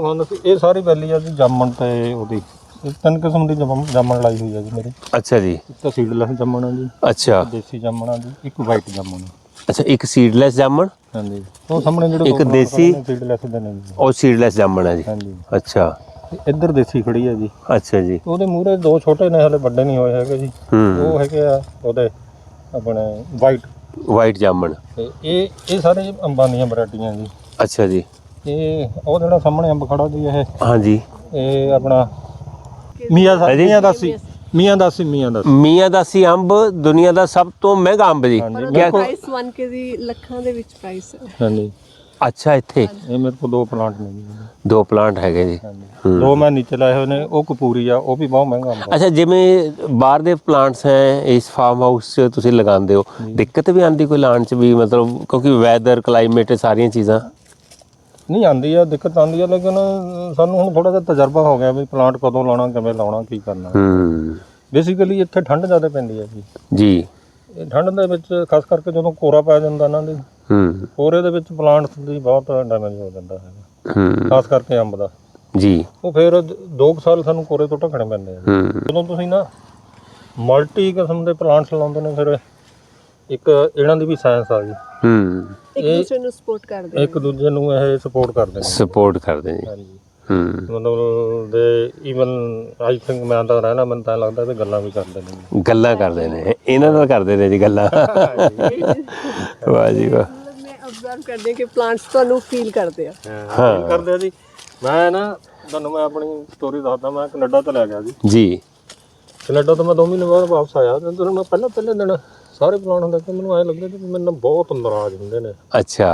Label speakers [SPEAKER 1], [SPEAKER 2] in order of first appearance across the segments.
[SPEAKER 1] ਦਿਖਾਉਂਦਾ ਸੀ। ਇਹ ਸਾਰੀ ਵੈਲੀ ਆ ਜੀ ਜਾਮਣ ਤੇ ਉਹਦੀ 3 ਕਿਸਮ ਦੀ ਜਾਮਣ ਲਾਈ ਹੋਈ ਆ ਜੀ ਮੇਰੇ।
[SPEAKER 2] ਅੱਛਾ ਜੀ।
[SPEAKER 1] ਇੱਕ ਤਾਂ ਸੀਡਲੈਸ ਜਾਮਣ ਆ ਜੀ,
[SPEAKER 2] ਅੱਛਾ,
[SPEAKER 1] ਦੇਸੀ ਜਾਮਣ ਆ ਜੀ, ਇੱਕ ਵਾਈਟ ਜਾਮਣ ਆ।
[SPEAKER 2] ਅੱਛਾ, ਇੱਕ ਸੀਡਲੈਸ ਜਾਮਣ।
[SPEAKER 1] ਹਾਂਜੀ, ਉਹ ਸਾਹਮਣੇ ਜਿਹੜੇ
[SPEAKER 2] ਇੱਕ ਦੇਸੀ
[SPEAKER 1] ਸੀਡਲੈਸ ਦੇ ਨੇ ਜੀ,
[SPEAKER 2] ਉਹ ਸੀਡਲੈਸ ਜਾਮਣ ਹੈ ਜੀ।
[SPEAKER 1] ਹਾਂਜੀ।
[SPEAKER 2] ਅੱਛਾ,
[SPEAKER 1] ਇੱਧਰ ਦੇਸੀ ਖੜੀ ਆ ਜੀ।
[SPEAKER 2] ਅੱਛਾ ਜੀ।
[SPEAKER 1] ਉਹਦੇ ਮੂਹਰੇ 2 ਛੋਟੇ ਨੇ, ਹਲੇ ਵੱਡੇ ਨਹੀਂ ਹੋਏ ਹੈਗੇ ਜੀ। ਉਹ ਹੈਗੇ ਆ ਉਹਦੇ ਆਪਣੇ ਵਾਈਟ
[SPEAKER 2] ਜਾਮਣ।
[SPEAKER 1] ਤੇ ਇਹ ਸਾਰੇ ਅੰਬਾਂ ਦੀਆਂ ਵੈਰਾਈਟੀਆਂ ਜੀ।
[SPEAKER 2] ਅੱਛਾ ਜੀ।
[SPEAKER 1] ਇਹ ਉਹ ਜਿਹੜਾ ਸਾਹਮਣੇ ਅੰਬ ਖੜਾ ਜੀ, ਇਹ
[SPEAKER 2] ਹਾਂਜੀ,
[SPEAKER 1] ਇਹ ਆਪਣਾ
[SPEAKER 2] ਮੀਆਂਦਾਸੀ ਅੰਬ ਦੁਨੀਆ ਦਾ ਸਭ ਤੋਂ ਮਹਿੰਗਾ ਅੰਬ ਜੀ।
[SPEAKER 3] ਪ੍ਰਾਈਸ 1 ਕੇਜੀ ਲੱਖਾਂ ਦੇ ਵਿੱਚ ਪ੍ਰਾਈਸ ਹੈ।
[SPEAKER 1] ਹਾਂਜੀ।
[SPEAKER 2] ਅੱਛਾ, ਇੱਥੇ
[SPEAKER 1] ਇਹ ਮੇਰੇ ਕੋਲ 2 ਪਲਾਂਟ ਨੇ ਜੀ।
[SPEAKER 2] 2 ਪਲਾਂਟ ਹੈਗੇ ਜੀ।
[SPEAKER 1] ਹਾਂਜੀ, 2 ਮੈਂ ਨੀਚੇ ਲਾਏ ਹੋਏ ਨੇ। ਉਹ ਕਪੂਰੀ ਆ, ਉਹ ਵੀ ਬਹੁਤ ਮਹਿੰਗਾ ਅੰਬ।
[SPEAKER 2] ਅੱਛਾ, ਜਿਵੇਂ ਬਾਹਰ ਦੇ ਪਲਾਂਟਸ ਹੈ, ਇਸ ਫਾਰਮ ਹਾਊਸ 'ਚ ਤੁਸੀਂ ਲਗਾਉਂਦੇ ਹੋ, ਦਿੱਕਤ ਵੀ ਆਉਂਦੀ ਕੋਈ ਲਾਉਣ 'ਚ ਵੀ, ਮਤਲਬ ਕਿਉਂਕਿ ਵੈਦਰ ਕਲਾਈਮੇਟ ਸਾਰੀਆਂ ਚੀਜ਼ਾਂ?
[SPEAKER 1] ਨਹੀਂ ਆਉਂਦੀ ਆ, ਦਿੱਕਤ ਆਉਂਦੀ ਆ, ਲੇਕਿਨ ਸਾਨੂੰ ਹੁਣ ਥੋੜਾ ਜਿਹਾ ਤਜਰਬਾ ਹੋ ਗਿਆ ਵੀ ਪਲਾਂਟ ਕਦੋਂ ਲਾਉਣਾ, ਕਿਵੇਂ ਲਾਉਣਾ, ਕੀ ਕਰਨਾ। ਬੇਸਿਕਲੀ ਇੱਥੇ ਠੰਡ ਜ਼ਿਆਦਾ ਪੈਂਦੀ ਹੈ
[SPEAKER 2] ਜੀ।
[SPEAKER 1] ਇਹ ਠੰਡ ਦੇ ਵਿੱਚ ਖਾਸ ਕਰਕੇ ਜਦੋਂ ਕੋਰਾ ਪੈ ਜਾਂਦਾ ਇਹਨਾਂ ਦੇ, ਕੋਰੇ ਦੇ ਵਿੱਚ ਪਲਾਂਟਸ ਦੀ ਬਹੁਤ ਡੈਮੇਜ ਹੋ ਜਾਂਦਾ ਹੈਗਾ, ਖਾਸ ਕਰਕੇ ਅੰਬ ਦਾ
[SPEAKER 2] ਜੀ। ਉਹ
[SPEAKER 1] ਫਿਰ 2 ਸਾਲ ਸਾਨੂੰ ਕੋਰੇ ਤੋਂ ਢੱਕਣੇ ਪੈਂਦੇ ਆ। ਜਦੋਂ ਤੁਸੀਂ ਨਾ ਮਲਟੀ ਕਿਸਮ ਦੇ ਪਲਾਂਟਸ ਲਾਉਂਦੇ ਨੇ, ਫਿਰ ਇੱਕ ਇਹਨਾਂ ਦੀ ਵੀ ਸਾਇੰਸ ਆ ਗਈ।
[SPEAKER 3] ਇੱਕ ਦੂਜੇ ਨੂੰ ਸਪੋਰਟ ਕਰਦੇ ਨੇ,
[SPEAKER 1] ਇੱਕ ਦੂਜੇ ਨੂੰ ਇਹ ਸਪੋਰਟ ਕਰਦੇ
[SPEAKER 2] ਜੀ।
[SPEAKER 1] ਹਾਂਜੀ। ਮਤਲਬ ਦੇ ਈਵਨ ਆਈ ਥਿੰਕ ਮੈਂ ਤਾਂ ਰਹਿਣਾ, ਮੈਨੂੰ ਤਾਂ ਲੱਗਦਾ ਵੀ ਗੱਲਾਂ ਵੀ ਕਰਦੇ ਨੇ।
[SPEAKER 2] ਇਹਨਾਂ ਨਾਲ ਕਰਦੇ ਨੇ ਜੀ ਗੱਲਾਂ। ਵਾਹ ਜੀ ਵਾਹ।
[SPEAKER 3] ਮੈਂ ਅਬਜ਼ਰਵ ਕਰਦੀ ਕਿ ਪਲਾਂਟਸ ਤੁਹਾਨੂੰ ਫੀਲ ਕਰਦੇ ਆ।
[SPEAKER 1] ਹਾਂ, ਕਰਦੇ ਆ ਜੀ। ਮੈਂ ਨਾ ਤੁਹਾਨੂੰ ਮੈਂ ਆਪਣੀ ਸਟੋਰੀ ਦੱਸਦਾ। ਮੈਂ ਕੈਨੇਡਾ ਤੋਂ ਲੈ ਗਿਆ
[SPEAKER 2] ਜੀ।
[SPEAKER 1] ਕੈਨੇਡਾ ਤੋਂ ਮੈਂ 2 ਮਹੀਨੇ ਬਾਅਦ ਵਾਪਸ ਆਇਆ ਤੇ ਮੈਂ ਪਹਿਲੇ ਦਿਨ ਸਾਰੇ ਪਲਾਂਟ ਹੁੰਦੇ ਕਿ ਮੈਨੂੰ ਐਂ ਲੱਗਦਾ ਕਿ ਮੈਨੂੰ ਬਹੁਤ ਨਾਰਾਜ਼ ਹੁੰਦੇ ਨੇ।
[SPEAKER 2] ਅੱਛਾ।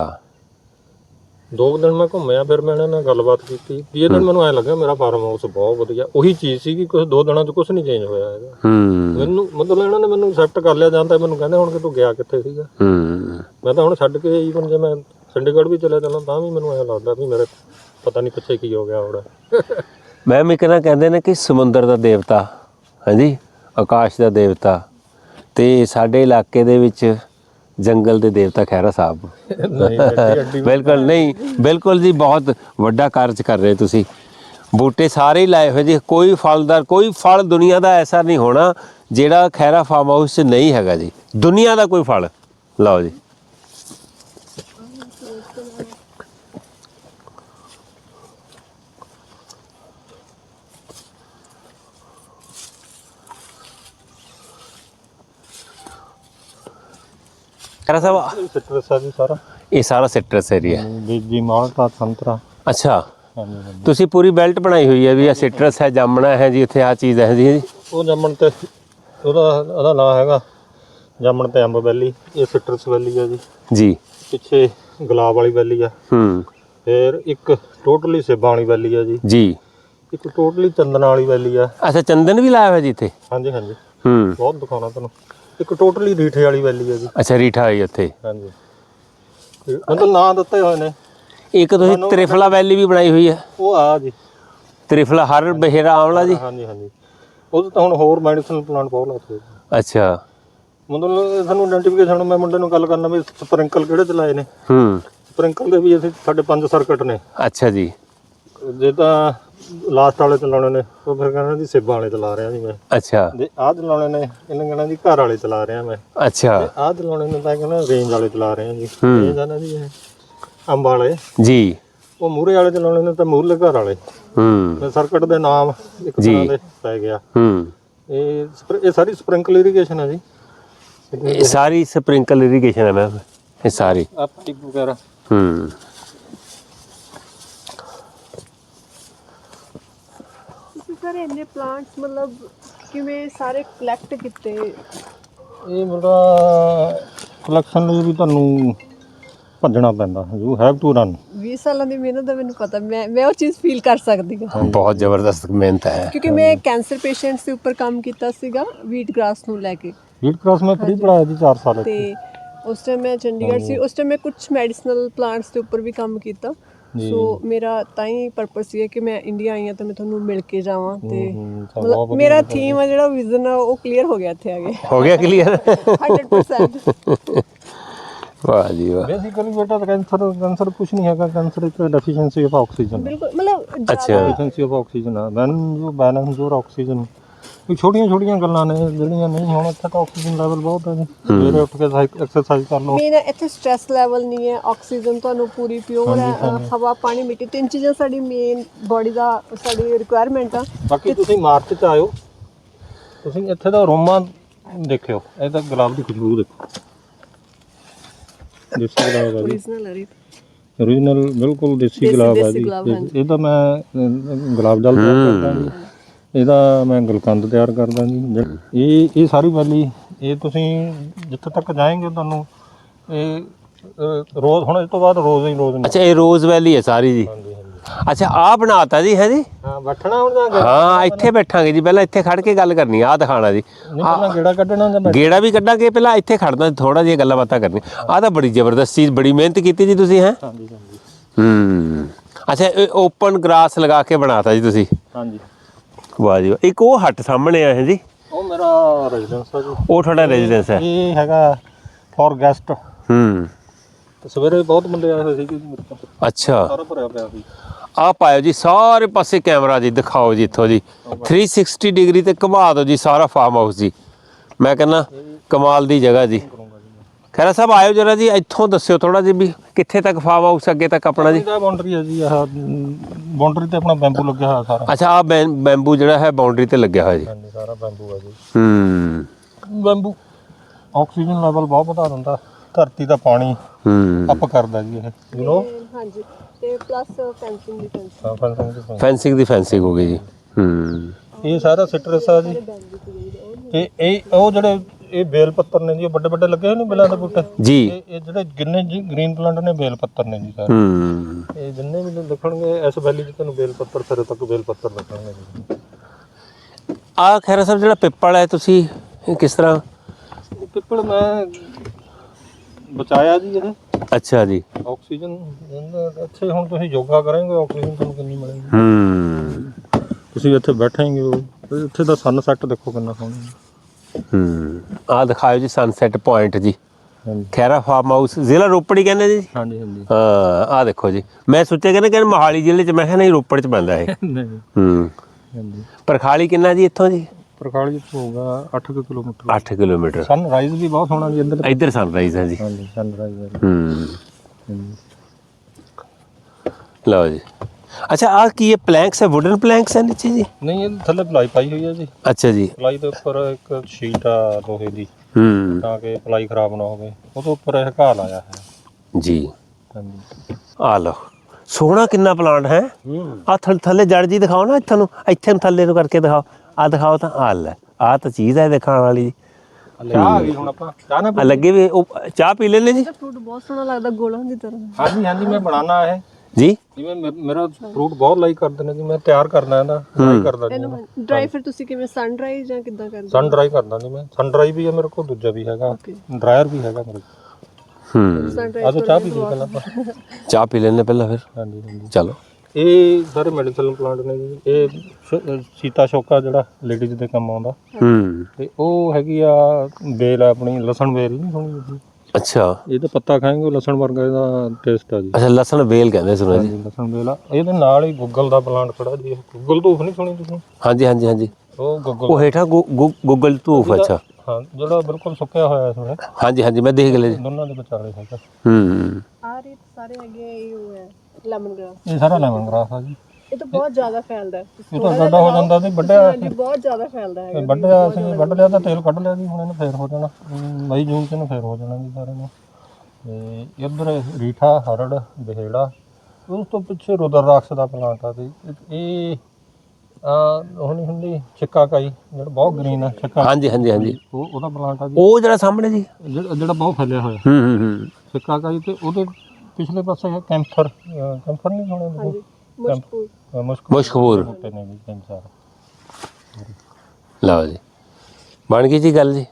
[SPEAKER 1] 2 ਦਿਨ ਮੈਂ ਘੁੰਮਿਆ, ਫਿਰ ਮੈਂ ਇਹਨਾਂ ਨਾਲ ਗੱਲਬਾਤ ਕੀਤੀ। 3 ਦਿਨ ਮੈਨੂੰ ਐਂ ਲੱਗਾ ਮੇਰਾ ਫਾਰਮ ਹਾਊਸ ਬਹੁਤ ਵਧੀਆ। ਉਹੀ ਚੀਜ਼ ਸੀ ਕਿ ਕੁਝ 2 ਦਿਨਾਂ 'ਚ ਕੁਝ ਨਹੀਂ ਚੇਂਜ ਹੋਇਆ ਹੈਗਾ। ਮੈਨੂੰ ਮਤਲਬ ਇਹਨਾਂ ਨੇ ਮੈਨੂੰ ਐਕਸੈਪਟ ਕਰ ਲਿਆ ਜਾਂਦਾ। ਮੈਨੂੰ ਕਹਿੰਦੇ ਹੁਣ ਕਿ ਤੂੰ ਗਿਆ ਕਿੱਥੇ ਸੀਗਾ। ਮੈਂ ਤਾਂ ਹੁਣ ਛੱਡ ਕੇ ਈਵਨ ਜੇ ਮੈਂ ਚੰਡੀਗੜ੍ਹ ਵੀ ਚਲੇ ਜਾਣਾ ਤਾਂ ਵੀ ਮੈਨੂੰ ਐਂ ਲੱਗਦਾ ਵੀ ਮੇਰੇ ਪਤਾ ਨਹੀਂ ਪਿੱਛੇ ਕੀ ਹੋ ਗਿਆ ਹੁਣ।
[SPEAKER 2] ਮੈਮ ਇੱਕ ਨਾ ਕਹਿੰਦੇ ਨੇ ਕਿ ਸਮੁੰਦਰ ਦਾ ਦੇਵਤਾ, ਹਾਂਜੀ, ਆਕਾਸ਼ ਦਾ ਦੇਵਤਾ, ਤੇ ਸਾਡੇ ਇਲਾਕੇ ਦੇ ਵਿੱਚ ਜੰਗਲ ਦੇ ਦੇਵਤਾ ਖਹਿਰਾ ਸਾਹਿਬ। ਬਿਲਕੁਲ ਨਹੀਂ, ਬਿਲਕੁਲ ਜੀ, ਬਹੁਤ ਵੱਡਾ ਕਾਰਜ ਕਰ ਰਹੇ ਤੁਸੀਂ। ਬੂਟੇ ਸਾਰੇ ਹੀ ਲਾਏ ਹੋਏ ਜੀ। ਕੋਈ ਫਲ ਦੁਨੀਆ ਦਾ ਐਸਾ ਨਹੀਂ ਹੋਣਾ ਜਿਹੜਾ ਖਹਿਰਾ ਫਾਰਮ ਹਾਊਸ 'ਚ ਨਹੀਂ ਹੈਗਾ ਜੀ। ਦੁਨੀਆ ਦਾ ਕੋਈ ਫਲ ਲਾਓ ਜੀ। ਖਹਿਰਾ ਸਾਹਿਬ,
[SPEAKER 1] ਸਿਟਰਸ ਆ ਜੀ ਸਾਰਾ।
[SPEAKER 2] ਇਹ ਸਾਰਾ ਸਿਟਰਸ ਏਰੀਆ
[SPEAKER 1] ਬੀਜੀ ਮਾਲਟਾ, ਸੰਤਰਾ।
[SPEAKER 2] ਅੱਛਾ, ਤੁਸੀਂ ਪੂਰੀ ਬੈਲਟ ਬਣਾਈ ਹੋਈ ਹੈ ਵੀ ਇਹ ਸਿਟਰਸ ਹੈ, ਜਾਮਣਾ ਹੈ ਜੀ, ਇੱਥੇ ਆ ਚੀਜ਼ ਹੈ ਜੀ। ਉਹ
[SPEAKER 1] ਜਾਮਣ ਤੇ ਉਹਦਾ ਨਾਂ ਹੈਗਾ ਜਾਮਣ ਤੇ ਅੰਬ ਵੈਲੀ। ਇਹ ਸਿਟਰਸ ਵੈਲੀ ਆ ਜੀ। ਪਿੱਛੇ ਗੁਲਾਬ ਵਾਲੀ ਵੈਲੀ ਆ। ਫਿਰ ਇੱਕ ਟੋਟਲੀ ਸੇਬਾਂ ਵਾਲੀ ਵੈਲੀ ਆ ਜੀ। ਇੱਕ ਟੋਟਲੀ ਚੰਦਨ ਵਾਲੀ ਵੈਲੀ ਆ।
[SPEAKER 2] ਅੱਛਾ, ਚੰਦਨ ਵੀ ਲਾਇਆ ਹੋਇਆ ਜੀ ਇੱਥੇ?
[SPEAKER 1] ਹਾਂਜੀ। ਬਹੁਤ ਦਿਖਾਉਣਾ ਤੁਹਾਨੂੰ। ਇੱਕ ਟੋਟਲੀ ਰੀਠੇ ਵਾਲੀ ਵੈਲੀ ਆ ਜੀ।
[SPEAKER 2] ਅੱਛਾ, ਰੀਠਾ ਹੈ ਉੱਥੇ।
[SPEAKER 1] ਹਾਂਜੀ, ਮਤਲਬ ਨਾਂ ਦਿੱਤੇ ਹੋਏ ਨੇ।
[SPEAKER 2] ਇੱਕ ਤੁਸੀਂ ਤ੍ਰਿਫਲਾ ਵੈਲੀ ਵੀ ਬਣਾਈ ਹੋਈ ਹੈ।
[SPEAKER 1] ਉਹ ਆ ਜੀ
[SPEAKER 2] ਤ੍ਰਿਫਲਾ, ਹਰ ਬਹਿਰਾ ਆਮਲਾ ਜੀ।
[SPEAKER 1] ਹਾਂਜੀ। ਉਹ ਤਾਂ ਹੁਣ ਹੋਰ ਮੈਡੀਸਨਲ ਪਲਾਂਟ ਬਹੁਤ ਲਾਤੇ।
[SPEAKER 2] ਅੱਛਾ,
[SPEAKER 1] ਮਤਲਬ ਸਾਨੂੰ ਆਇਡੈਂਟੀਫਿਕੇਸ਼ਨ, ਮੈਂ ਮੁੰਡੇ ਨੂੰ ਗੱਲ ਕਰਨਾ ਵੀ ਸਪ੍ਰਿੰਕਲ ਕਿਹੜੇ ਚਲਾਏ ਨੇ। ਸਪ੍ਰਿੰਕਲ ਦੇ ਵੀ ਅਸੀਂ ਸਾਡੇ 5 ਸਰਕਟ ਨੇ। ਅੱਛਾ ਜੀ। ਜੇ ਤਾਂ ਲਾਸਟ ਵਾਲੇ ਚਲਾਉਣੇ ਨੇ ਉਹ ਫਿਰ ਕਹਿੰਦਾ ਜੀ ਸੇਬਾਂ ਵਾਲੇ ਚਲਾ ਰਿਹਾ ਜੀ ਮੈਂ। ਅੱਛਾ। ਜੇ ਆਹ ਚਲਾਉਣੇ ਨੇ ਇਹਨੇ ਕਹਿਣਾ ਜੀ ਘਰ ਵਾਲੇ ਚਲਾ ਰਿਹਾ ਮੈਂ। ਅੱਛਾ। ਆਹ ਚਲਾਉਣੇ ਨੇ ਤਾਂ ਕਹਿੰਦਾ ਰੇਂਜ ਵਾਲੇ ਚਲਾ ਰਿਹਾ ਜੀ। ਰੇਂਜ ਆ ਨਾ ਜੀ ਇਹ ਅੰਬ ਵਾਲੇ ਜੀ। ਉਹ ਮੂਹਰੇ ਵਾਲੇ ਚਲਾਉਣੇ ਨੇ ਤਾਂ ਮੂਹਰਲੇ ਘਰ ਵਾਲੇ। ਸਰਕਟ ਦੇ ਨਾਮ ਇੱਕ ਤਰ੍ਹਾਂ ਦੇ ਪੈ ਗਿਆ। ਇਹ ਸਾਰੀ ਸਪ੍ਰਿੰਕਲ ਇਰੀਗੇਸ਼ਨ ਹੈ ਜੀ। ਇਹ ਸਾਰੀ ਸਪ੍ਰਿੰਕਲ ਇਰੀਗੇਸ਼ਨ ਹੈ ਮੈਮ, ਇਹ ਸਾਰੀ ਅਪਟਿਕ ਵਗੈਰਾ।
[SPEAKER 3] ਸਰ ਇੰਨੇ ਪਲਾਂਟਸ ਮਤਲਬ ਕਿਵੇਂ ਸਾਰੇ ਕਲੈਕਟ ਕੀਤੇ?
[SPEAKER 1] ਇਹ ਮੇਰਾ ਕਲੈਕਸ਼ਨ ਲਈ ਵੀ ਤੁਹਾਨੂੰ ਭੱਜਣਾ ਪੈਂਦਾ। You have to run.
[SPEAKER 3] 20 ਸਾਲਾਂ ਦੀ ਮਿਹਨਤ ਦਾ ਮੈਨੂੰ ਪਤਾ, ਮੈਂ ਉਹ ਚੀਜ਼ ਫੀਲ ਕਰ ਸਕਦੀ ਹਾਂ।
[SPEAKER 2] ਬਹੁਤ ਜ਼ਬਰਦਸਤ ਮਿਹਨਤ ਹੈ।
[SPEAKER 3] ਕਿਉਂਕਿ ਮੈਂ ਕੈਂਸਰ ਪੇਸ਼ੈਂਟਸ ਦੇ ਉੱਪਰ ਕੰਮ ਕੀਤਾ ਸੀਗਾ ਵੀਟ ਗ੍ਰਾਸ ਨੂੰ ਲੈ ਕੇ।
[SPEAKER 1] ਵੀਟ ਗ੍ਰਾਸ ਮੈਂ ਫ੍ਰੀ ਪੜਾਇਆ ਜੀ 4 ਸਾਲ।
[SPEAKER 3] ਤੇ ਉਸ ਟਾਈਮ ਮੈਂ ਚੰਡੀਗੜ੍ਹ ਸੀ। ਉਸ ਟਾਈਮ ਮੈਂ ਕੁਝ ਮੈਡੀਸਨਲ ਪਲਾਂਟਸ ਦੇ ਉੱਪਰ ਵੀ ਕੰਮ ਕੀਤਾ। ਸੋ ਮੇਰਾ ਤਾਂ ਹੀ ਪਰਪਸ ਸੀ ਕਿ ਮੈਂ ਇੰਡੀਆ ਆਈ ਹਾਂ ਤਾਂ ਮੈਂ ਤੁਹਾਨੂੰ ਮਿਲ ਕੇ ਜਾਵਾਂ। ਤੇ ਮਤਲਬ ਮੇਰਾ ਥੀਮ ਆ ਜਿਹੜਾ ਵਿਜ਼ਨ ਆ ਉਹ ਕਲੀਅਰ ਹੋ ਗਿਆ ਇੱਥੇ ਆ ਕੇ।
[SPEAKER 2] ਹੋ ਗਿਆ ਕਲੀਅਰ
[SPEAKER 3] 100%।
[SPEAKER 2] ਵਾਹ ਜੀ ਵਾਹ।
[SPEAKER 1] ਬੇਸਿਕਲੀ ਬੇਟਾ ਕੈਂਸਰ ਕੁਝ ਨਹੀਂ ਹੈਗਾ, ਕੈਂਸਰ ਇੱਕ ਡੈਫੀਸ਼ੀਐਂਸੀ ਆਫ ਆਕਸੀਜਨ।
[SPEAKER 3] ਬਿਲਕੁਲ, ਮਤਲਬ
[SPEAKER 2] ਅੱਛਾ।
[SPEAKER 1] ਡੈਫੀਸ਼ੀਐਂਸੀ ਆਫ ਆਕਸੀਜਨ ਆ, when you balance your oxygen. ਇਹ ਛੋਟੀਆਂ ਗੱਲਾਂ ਨੇ ਜਿਹੜੀਆਂ ਨਹੀਂ, ਹੁਣ ਇੱਥੇ ਤਾਂ ਆਕਸੀਜਨ ਲੈਵਲ ਬਹੁਤ ਹੈ ਜੀ। ਸਵੇਰੇ ਉੱਠ ਕੇ ਐਕਸਰਸਾਈਜ਼ ਕਰ ਲਓ।
[SPEAKER 3] ਮੇਨ ਇੱਥੇ ਸਟ੍ਰੈਸ ਲੈਵਲ ਨਹੀਂ ਹੈ, ਆਕਸੀਜਨ ਤੁਹਾਨੂੰ ਪੂਰੀ ਪਿਓਰ ਹੈ, ਹਵਾ ਪਾਣੀ ਮਿੱਟੀ, 3 ਚੀਜ਼ਾਂ ਸਾਡੀ ਮੇਨ ਬੋਡੀ ਦਾ ਸਾਡੀ ਰਿਕੁਆਇਰਮੈਂਟ ਆ।
[SPEAKER 1] ਬਾਕੀ ਤੁਸੀਂ ਮਾਰਚ 'ਚ ਆਇਓ, ਤੁਸੀਂ ਇੱਥੇ ਦਾ ਅਰੋਮਾ ਦੇਖਿਓ, ਇਹ ਤਾਂ ਗੁਲਾਬ ਦੀ ਖੁਸ਼ਬੂ ਦੇਖੋ, ਦੇਸੀ ਗੁਲਾਬ ਆ ਜੀ, ਓਰੀਜਨਲ ਬਿਲਕੁਲ ਦੇਸੀ ਗੁਲਾਬ ਆ ਜੀ। ਇਹਦਾ ਮੈਂ ਗੁਲਾਬ ਜਲ ਤਿਆਰ ਕਰਦਾ ਜੀ, ਇਹਦਾ ਮੈਂ ਗੁਲਕੰਦ ਤਿਆਰ ਕਰਦਾ ਜੀ। ਇਹ ਸਾਰੀ ਵੈਲੀ, ਇਹ ਤੁਸੀਂ ਜਿੱਥੇ ਤੱਕ ਜਾਏਂਗੇ ਤੁਹਾਨੂੰ ਇਹ ਰੋਜ਼, ਹੁਣ ਇਸ ਤੋਂ ਬਾਅਦ ਰੋਜ਼ ਹੀ ਰੋਜ਼।
[SPEAKER 2] ਅੱਛਾ, ਇਹ ਰੋਜ਼ ਵੈਲੀ ਹੈ ਸਾਰੀ ਜੀ। ਅੱਛਾ, ਆਹ ਬਣਾਤਾ ਜੀ ਹੈ ਜੀ।
[SPEAKER 1] ਹਾਂ, ਬੈਠਣਾ ਹੁਣ ਜਾਂ
[SPEAKER 2] ਹਾਂ, ਇੱਥੇ ਬੈਠਾਂਗੇ ਜੀ, ਪਹਿਲਾਂ ਇੱਥੇ ਖੜ ਕੇ ਗੱਲ ਕਰਨੀ, ਆਹ ਦਿਖਾਣਾ ਜੀ।
[SPEAKER 1] ਪਹਿਲਾਂ ਗੇੜਾ ਕੱਢਣਾ ਜਾਂ
[SPEAKER 2] ਗੇੜਾ ਵੀ ਕੱਢਾਂਗੇ, ਪਹਿਲਾਂ ਇੱਥੇ ਖੜਨਾ, ਥੋੜਾ ਜਿਹਾ ਗੱਲਾਂ ਬਾਤਾਂ ਕਰਨੀ। ਆਹ ਤਾਂ ਬੜੀ ਜ਼ਬਰਦਸਤ ਚੀਜ਼, ਬੜੀ ਮਿਹਨਤ ਕੀਤੀ ਜੀ ਤੁਸੀਂ ਹੈ।
[SPEAKER 1] ਹਾਂਜੀ ਹਾਂਜੀ।
[SPEAKER 2] ਅੱਛਾ, ਇਹ ਓਪਨ ਗ੍ਰਾਸ ਲਗਾ ਕੇ ਬਣਾਤਾ ਜੀ ਤੁਸੀਂ।
[SPEAKER 1] ਹਾਂਜੀ।
[SPEAKER 2] ਵਾਹ ਜੀ ਵਾਹ। ਇੱਕ ਉਹ ਹੱਟ ਸਾਹਮਣੇ ਆ ਹੈ ਜੀ,
[SPEAKER 1] ਉਹ ਮੇਰਾ ਰੈਜ਼ੀਡੈਂਸ ਆ ਜੀ।
[SPEAKER 2] ਉਹ ਤੁਹਾਡਾ ਰੈਜ਼ੀਡੈਂਸ ਹੈ।
[SPEAKER 1] ਇਹ ਹੈਗਾ ਫॉर ਗੈਸਟ। ਤੇ ਸਵੇਰੇ ਬਹੁਤ ਬੰਦੇ ਆਏ ਹੋਏ ਸੀ ਜੀ,
[SPEAKER 2] ਅੱਛਾ,
[SPEAKER 1] ਸਾਰਾ ਭਰਿਆ ਪਿਆ ਸੀ।
[SPEAKER 2] ਆਹ ਪਾਇਓ ਜੀ ਸਾਰੇ ਪਾਸੇ ਕੈਮਰਾ ਜੀ, ਦਿਖਾਓ ਜੀ ਇੱਥੋਂ ਜੀ 360 ਡਿਗਰੀ ਤੇ ਘੁਮਾ ਦਿਓ ਜੀ ਸਾਰਾ ਫਾਰਮ ਹਾਊਸ ਜੀ। ਮੈਂ ਕਹਿੰਦਾ ਕਮਾਲ ਦੀ ਜਗ੍ਹਾ ਜੀ। ਖੈਰਾ ਸਾਹਿਬ ਆਇਓ ਜਰਾ ਜੀ, ਇੱਥੋਂ ਦੱਸਿਓ ਥੋੜਾ ਜਿਹਾ ਵੀ ਕਿੱਥੇ ਤੱਕ ਫਾਰਮ ਹਾਊਸ ਅੱਗੇ ਤੱਕ ਆਪਣਾ ਜੀ।
[SPEAKER 1] ਇਹਦਾ ਬਾਉਂਡਰੀ ਹੈ ਜੀ, ਆਹ ਬਾਉਂਡਰੀ ਤੇ ਆਪਣਾ ਬੈਂਬੂ ਲੱਗਿਆ ਹੋਇਆ ਸਾਰਾ।
[SPEAKER 2] ਅੱਛਾ, ਆਹ ਬੈਂਬੂ ਜਿਹੜਾ ਹੈ ਬਾਉਂਡਰੀ ਤੇ ਲੱਗਿਆ ਹੋਇਆ ਜੀ।
[SPEAKER 1] ਹਾਂਜੀ, ਸਾਰਾ ਬੈਂਬੂ ਹੈ ਜੀ। ਬੈਂਬੂ ਆਕਸੀਜਨ ਲੈਵਲ ਬਹੁਤ ਵਧਾ ਦਿੰਦਾ, ਧਰਤੀ ਦਾ ਪਾਣੀ ਅਪ ਕਰਦਾ ਜੀ ਇਹ, ਯੂ ਨੋ।
[SPEAKER 3] ਹਾਂਜੀ, ਤੇ ਪਲੱਸ ਫੈਂਸਿੰਗ ਦੀ
[SPEAKER 2] ਫੈਂਸਿੰਗ ਦੀ ਫੈਂਸਿੰਗ ਹੋ ਗਈ ਜੀ।
[SPEAKER 1] ਇਹ ਸਾਰਾ ਸਿਟਰਸ ਆ ਜੀ। ਤੇ ਇਹ ਉਹ ਜਿਹੜੇ ਇਹ ਬੇਲ ਪੱਤਰ ਨੇ ਜੀ, ਵੱਡੇ ਵੱਡੇ ਲੱਗੇ ਹੋਏ ਨੇ ਬੇਲਾਂ ਦੇ ਬੂਟੇ
[SPEAKER 2] ਜੀ।
[SPEAKER 1] ਇਹ ਜਿਹੜੇ ਜਿੰਨੇ ਜੀ ਗ੍ਰੀਨ ਪਲਾਂਟ ਨੇ ਬੇਲ ਪੱਤਰ ਨੇ ਜੀ ਸਾਰੇ। ਇਹ ਜਿੰਨੇ ਵੀ ਦਿਖਣਗੇ ਇਸ ਵੈਲੀ 'ਚ ਤੁਹਾਨੂੰ ਬੇਲ ਪੱਤਰ, ਸਿਰੇ ਤੱਕ ਬੇਲ ਪੱਤਰ ਦਿਖਣਗੇ ਜੀ।
[SPEAKER 2] ਆਹ ਖੈਰਾ ਸਾਹਿਬ ਜਿਹੜਾ ਪਿੱਪਲ ਹੈ, ਤੁਸੀਂ ਕਿਸ ਤਰ੍ਹਾਂ?
[SPEAKER 1] ਪਿੱਪਲ ਮੈਂ ਬਚਾਇਆ ਜੀ ਇਹ।
[SPEAKER 2] ਅੱਛਾ ਜੀ।
[SPEAKER 1] ਆਕਸੀਜਨ ਇੱਥੇ ਹੁਣ ਤੁਸੀਂ ਯੋਗਾ ਕਰਾਂਗੇ, ਆਕਸੀਜਨ ਤੁਹਾਨੂੰ ਕਿੰਨੀ ਮਿਲੇਗੀ। ਤੁਸੀਂ ਇੱਥੇ ਬੈਠਾਂਗੇ, ਇੱਥੇ ਦਾ ਸਨਸੈਟ ਦੇਖੋ ਕਿੰਨਾ ਸੋਹਣਾ।
[SPEAKER 2] ਆਹ ਦਿਖਾਓ ਜੀ ਸਨਸੈਟ ਪੁਆਇੰਟ ਜੀ।
[SPEAKER 1] ਹਾਂਜੀ,
[SPEAKER 2] ਖੈਰਾ ਫਾਰਮ ਹਾਊਸ, ਜ਼ਿਲ੍ਹਾ ਰੋਪੜ ਹੀ ਕਹਿੰਦੇ ਜੀ।
[SPEAKER 1] ਹਾਂਜੀ ਹਾਂਜੀ।
[SPEAKER 2] ਹਾਂ, ਆਹ ਦੇਖੋ ਜੀ, ਮੈਂ ਸੋਚਿਆ ਕਹਿੰਦੇ ਮੋਹਾਲੀ ਜ਼ਿਲ੍ਹੇ 'ਚ, ਮੈਂ ਕਿਹਾ ਨਹੀਂ ਰੋਪੜ 'ਚ ਪੈਂਦਾ ਇਹ।
[SPEAKER 1] ਨਹੀਂ। ਹਾਂਜੀ।
[SPEAKER 2] ਪਰਖਾਲੀ ਕਿੰਨਾ ਜੀ ਇੱਥੋਂ ਜੀ?
[SPEAKER 1] ਪਰਖਾਲੀ ਹੋਊਗਾ 8 ਕਿਲੋਮੀਟਰ।
[SPEAKER 2] 8 ਕਿਲੋਮੀਟਰ।
[SPEAKER 1] ਸਨਰਾਈਜ਼ ਵੀ ਬਹੁਤ ਸੋਹਣਾ ਜੀ ਇੱਧਰ।
[SPEAKER 2] ਇੱਧਰ ਸਨਰਾਈਜ਼ ਹੈ ਜੀ।
[SPEAKER 1] ਹਾਂਜੀ, ਸਨਰਾਈਜ਼ ਹੈ।
[SPEAKER 2] ਲਓ ਜੀ। ਅੱਛਾ, ਆਹ ਕੀ ਇਹ ਪਲੈਂਕਸ ਹੈ, ਵੁਡਨ ਪਲੈਂਕਸ ਹੈ ਨੀਚੇ ਜੀ?
[SPEAKER 1] ਨਹੀਂ, ਇਹ ਥੱਲੇ ਪਲਾਈ ਪਾਈ ਹੋਈ ਹੈ ਜੀ।
[SPEAKER 2] ਅੱਛਾ ਜੀ।
[SPEAKER 1] ਪਲਾਈ ਦੇ ਉੱਪਰ ਇੱਕ ਸ਼ੀਟ ਆ ਲੋਹੇ ਦੀ, ਤਾਂ ਕਿ ਪਲਾਈ ਖਰਾਬ ਨਾ ਹੋਵੇ। ਉਹਦੇ ਉੱਪਰ ਇਹ ਘਾਹ ਲਾਇਆ ਹੈ
[SPEAKER 2] ਜੀ।
[SPEAKER 1] ਹਾਂਜੀ।
[SPEAKER 2] ਆ ਲਓ, ਸੋਹਣਾ ਕਿੰਨਾ ਪਲਾਂਟ ਹੈ। ਆਹ ਥੱਲੇ ਜੜ ਜੀ ਦਿਖਾਓ ਨਾ, ਇੱਥੇ ਨੂੰ ਥੱਲੇ ਨੂੰ ਕਰਕੇ ਦਿਖਾਓ। ਆਹ ਦਿਖਾਓ ਤਾਂ, ਆਹ ਲੈ, ਆਹ ਤਾਂ ਚੀਜ਼ ਹੈ ਦੇਖਣ ਵਾਲੀ ਜੀ।
[SPEAKER 1] ਆ ਗਈ ਹੁਣ ਆਪਾਂ ਚਾਹ ਨਾ
[SPEAKER 2] ਲੱਗੇ ਵੀ ਉਹ ਚਾਹ ਪੀ ਲੈਣੇ ਜੀ।
[SPEAKER 3] ਫਰੂਟ ਬਹੁਤ ਸੋਹਣਾ ਲੱਗਦਾ, ਗੋਲਾਂ ਦੀ ਤਰ੍ਹਾਂ।
[SPEAKER 1] ਹਾਂਜੀ ਹਾਂਜੀ, ਮੈਂ ਬਣਾਉਣਾ ਹੈ
[SPEAKER 2] ਜੀ।
[SPEAKER 1] ਜਿਵੇਂ ਮੇਰਾ ਫਰੂਟ ਬਹੁਤ ਲਾਈਕ ਕਰਦੇ ਨੇ ਜੀ, ਮੈਂ ਤਿਆਰ ਕਰਨਾ ਇਹਦਾ, ਡਰਾਈ ਕਰਦਾ ਜੀ।
[SPEAKER 3] ਡਰਾਈ ਫਿਰ ਤੁਸੀਂ ਕਿਵੇਂ ਸਨ ਡਰਾਈ ਜਾਂ ਕਿੱਦਾਂ ਕਰਦੇ?
[SPEAKER 1] ਸਨ ਡਰਾਈ ਕਰਦਾ ਜੀ ਮੈਂ। ਸਨ ਡਰਾਈ ਵੀ ਹੈ ਮੇਰੇ ਕੋਲ, ਦੂਜਾ ਵੀ ਹੈਗਾ, ਡਰਾਇਰ ਵੀ ਹੈਗਾ ਮੇਰੇ ਕੋਲ। ਆਜੋ ਚਾਹ ਪੀ ਲਈ ਪਹਿਲਾਂ ਆਪਾਂ।
[SPEAKER 2] ਚਾਹ ਪੀ ਲੈਣੇ ਪਹਿਲਾਂ ਫਿਰ।
[SPEAKER 1] ਹਾਂਜੀ ਹਾਂਜੀ,
[SPEAKER 2] ਚਲੋ।
[SPEAKER 1] ਇਹ ਸਾਰੇ ਮੈਡੀਸਨਲ ਪਲਾਂਟ ਨੇ ਜੀ। ਇਹ ਸੀਤਾ ਸ਼ੋਕਾ ਜਿਹੜਾ ਲੇਡੀਜ਼ ਦੇ ਕੰਮ ਆਉਂਦਾ। ਤੇ ਉਹ ਹੈਗੀ ਆ ਬੇਲ, ਆਪਣੀ ਲਸਣ ਬੇਲ ਨਹੀਂ ਹੋਣੀ ਜੀ।
[SPEAKER 2] ਅੱਛਾ,
[SPEAKER 1] ਇਹਦਾ ਪੱਤਾ ਖਾਏਂਗੇ, ਲਸਣ ਵਰਗਾ ਇਹਦਾ ਟੇਸਟ ਆ ਜੀ।
[SPEAKER 2] ਅੱਛਾ, ਲਸਣ ਬੇਲ ਕਹਿੰਦੇ ਸੁਣੋ ਜੀ।
[SPEAKER 1] ਲਸਣ ਬੇਲ ਆ। ਇਹਦੇ ਨਾਲ ਹੀ ਗੁੱਗਲ ਦਾ ਪਲਾਂਟ ਖੜਾ ਜੀ। ਗੁੱਗਲ ਧੂਫ ਨਹੀਂ ਸੁਣੀ ਤੁਸੀਂ?
[SPEAKER 2] ਹਾਂਜੀ ਹਾਂਜੀ ਹਾਂਜੀ।
[SPEAKER 1] ਉਹ ਗੁੱਗਲ,
[SPEAKER 2] ਉਹ ਹੇਠਾਂ ਗੁੱਗਲ ਧੂਫ। ਅੱਛਾ,
[SPEAKER 1] ਹਾਂ, ਜਿਹੜਾ ਬਿਲਕੁਲ ਸੁੱਕਿਆ ਹੋਇਆ ਇਸ ਵੇਲੇ।
[SPEAKER 2] ਹਾਂਜੀ ਹਾਂਜੀ, ਮੈਂ ਦੇਖ ਲਿਆ ਜੀ।
[SPEAKER 1] ਦੋਨਾਂ ਦੇ ਵਿਚਾਲੇ ਹੈਗਾ।
[SPEAKER 3] ਆ ਰੇ ਸਾਰੇ ਹੈਗੇ, ਇਹ ਉਹ ਹੈ ਲੈਮਨ ਗ੍ਰਾਸ।
[SPEAKER 1] ਇਹ ਸਾਰਾ ਲੈਮਨ ਗ੍ਰਾਸ ਆ ਜੀ।
[SPEAKER 3] ਇਹ ਤਾਂ ਬਹੁਤ ਜ਼ਿਆਦਾ ਫੈਲਦਾ ਹੈ।
[SPEAKER 1] ਇਹ ਤਾਂ ਵੱਡਾ ਹੋ ਜਾਂਦਾ ਸੀ, ਵੱਡਿਆ
[SPEAKER 3] ਜੀ ਬਹੁਤ ਜ਼ਿਆਦਾ ਫੈਲਦਾ ਹੈ।
[SPEAKER 1] ਵੱਡਿਆ ਸੀ, ਵੱਢ ਲਿਆ ਤਾਂ ਤੇਲ ਕੱਢ ਲਿਆ ਜੀ। ਹੁਣ ਇਹਨੂੰ ਫੇਰ ਹੋ ਜਾਣਾ, ਮਈ ਜੂਨ ਚ ਇਹਨੂੰ ਫੇਰ ਹੋ ਜਾਣਾ ਜੀ ਸਾਰੇ ਨੂੰ। ਤੇ ਇੱਧਰ ਰੀਠਾ, ਹਰੜ, ਬਹੇੜਾ। ਉਸ ਤੋਂ ਪਿੱਛੇ ਰੁਦਰ ਰਾਕਸ ਦਾ ਪਲਾਂਟ ਆ ਜੀ। ਇਹ ਉਹ ਨਹੀਂ ਹੁੰਦੀ ਛਿੱਕਾਕਾਈ, ਜਿਹੜਾ ਬਹੁਤ ਗ੍ਰੀਨ ਆ ਛਿੱਕਾ।
[SPEAKER 2] ਹਾਂਜੀ ਹਾਂਜੀ ਹਾਂਜੀ,
[SPEAKER 1] ਉਹਦਾ ਪਲਾਂਟ ਆ ਜੀ।
[SPEAKER 2] ਉਹ ਜਿਹੜਾ ਸਾਹਮਣੇ ਜੀ,
[SPEAKER 1] ਜਿਹੜਾ ਬਹੁਤ ਫੈਲਿਆ ਹੋਇਆ ਛਿੱਕਾਕਾਈ। ਤੇ ਉਹਦੇ ਪਿਛਲੇ ਪਾਸੇ ਹੈ ਕੈਂਫਰ। ਕੈਂਫਰ ਨਹੀਂ ਹੋਣੇ, ਮੁਸ਼ਕਪੂਰ ਬੂਟੇ ਨੇ ਜੀ, 3-4।
[SPEAKER 2] ਲਓ ਜੀ, ਬਣ ਗਈ ਜੀ ਗੱਲ ਜੀ।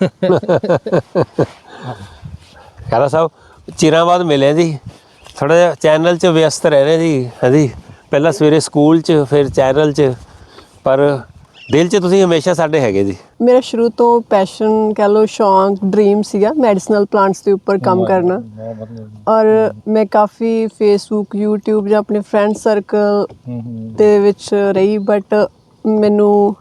[SPEAKER 2] ਖੈਰਾ ਸਾਹਿਬ, ਚਿਰਾਂ ਬਾਅਦ ਮਿਲੇ ਜੀ। ਥੋੜਾ ਜਿਹਾ ਚੈਨਲ 'ਚ ਵਿਅਸਤ ਰਹਿ ਰਹੇ ਜੀ। ਹਾਂਜੀ, ਪਹਿਲਾਂ ਸਵੇਰੇ ਸਕੂਲ 'ਚ, ਫਿਰ ਚੈਨਲ 'ਚ, ਪਰ ਦਿਲ 'ਚ ਤੁਸੀਂ ਹਮੇਸ਼ਾ ਸਾਡੇ ਹੈਗੇ ਜੀ।
[SPEAKER 3] ਮੇਰਾ ਸ਼ੁਰੂ ਤੋਂ ਪੈਸ਼ਨ ਕਹਿ ਲਓ, ਸ਼ੌਂਕ, ਡ੍ਰੀਮ ਸੀਗਾ ਮੈਡੀਸਨਲ ਪਲਾਂਟਸ ਦੇ ਉੱਪਰ ਕੰਮ ਕਰਨਾ। ਔਰ ਮੈਂ ਕਾਫੀ ਫੇਸਬੁੱਕ, YouTube ਜਾਂ ਆਪਣੇ ਫਰੈਂਡ ਸਰਕਲ ਦੇ ਵਿੱਚ ਰਹੀ, ਬਟ ਮੈਨੂੰ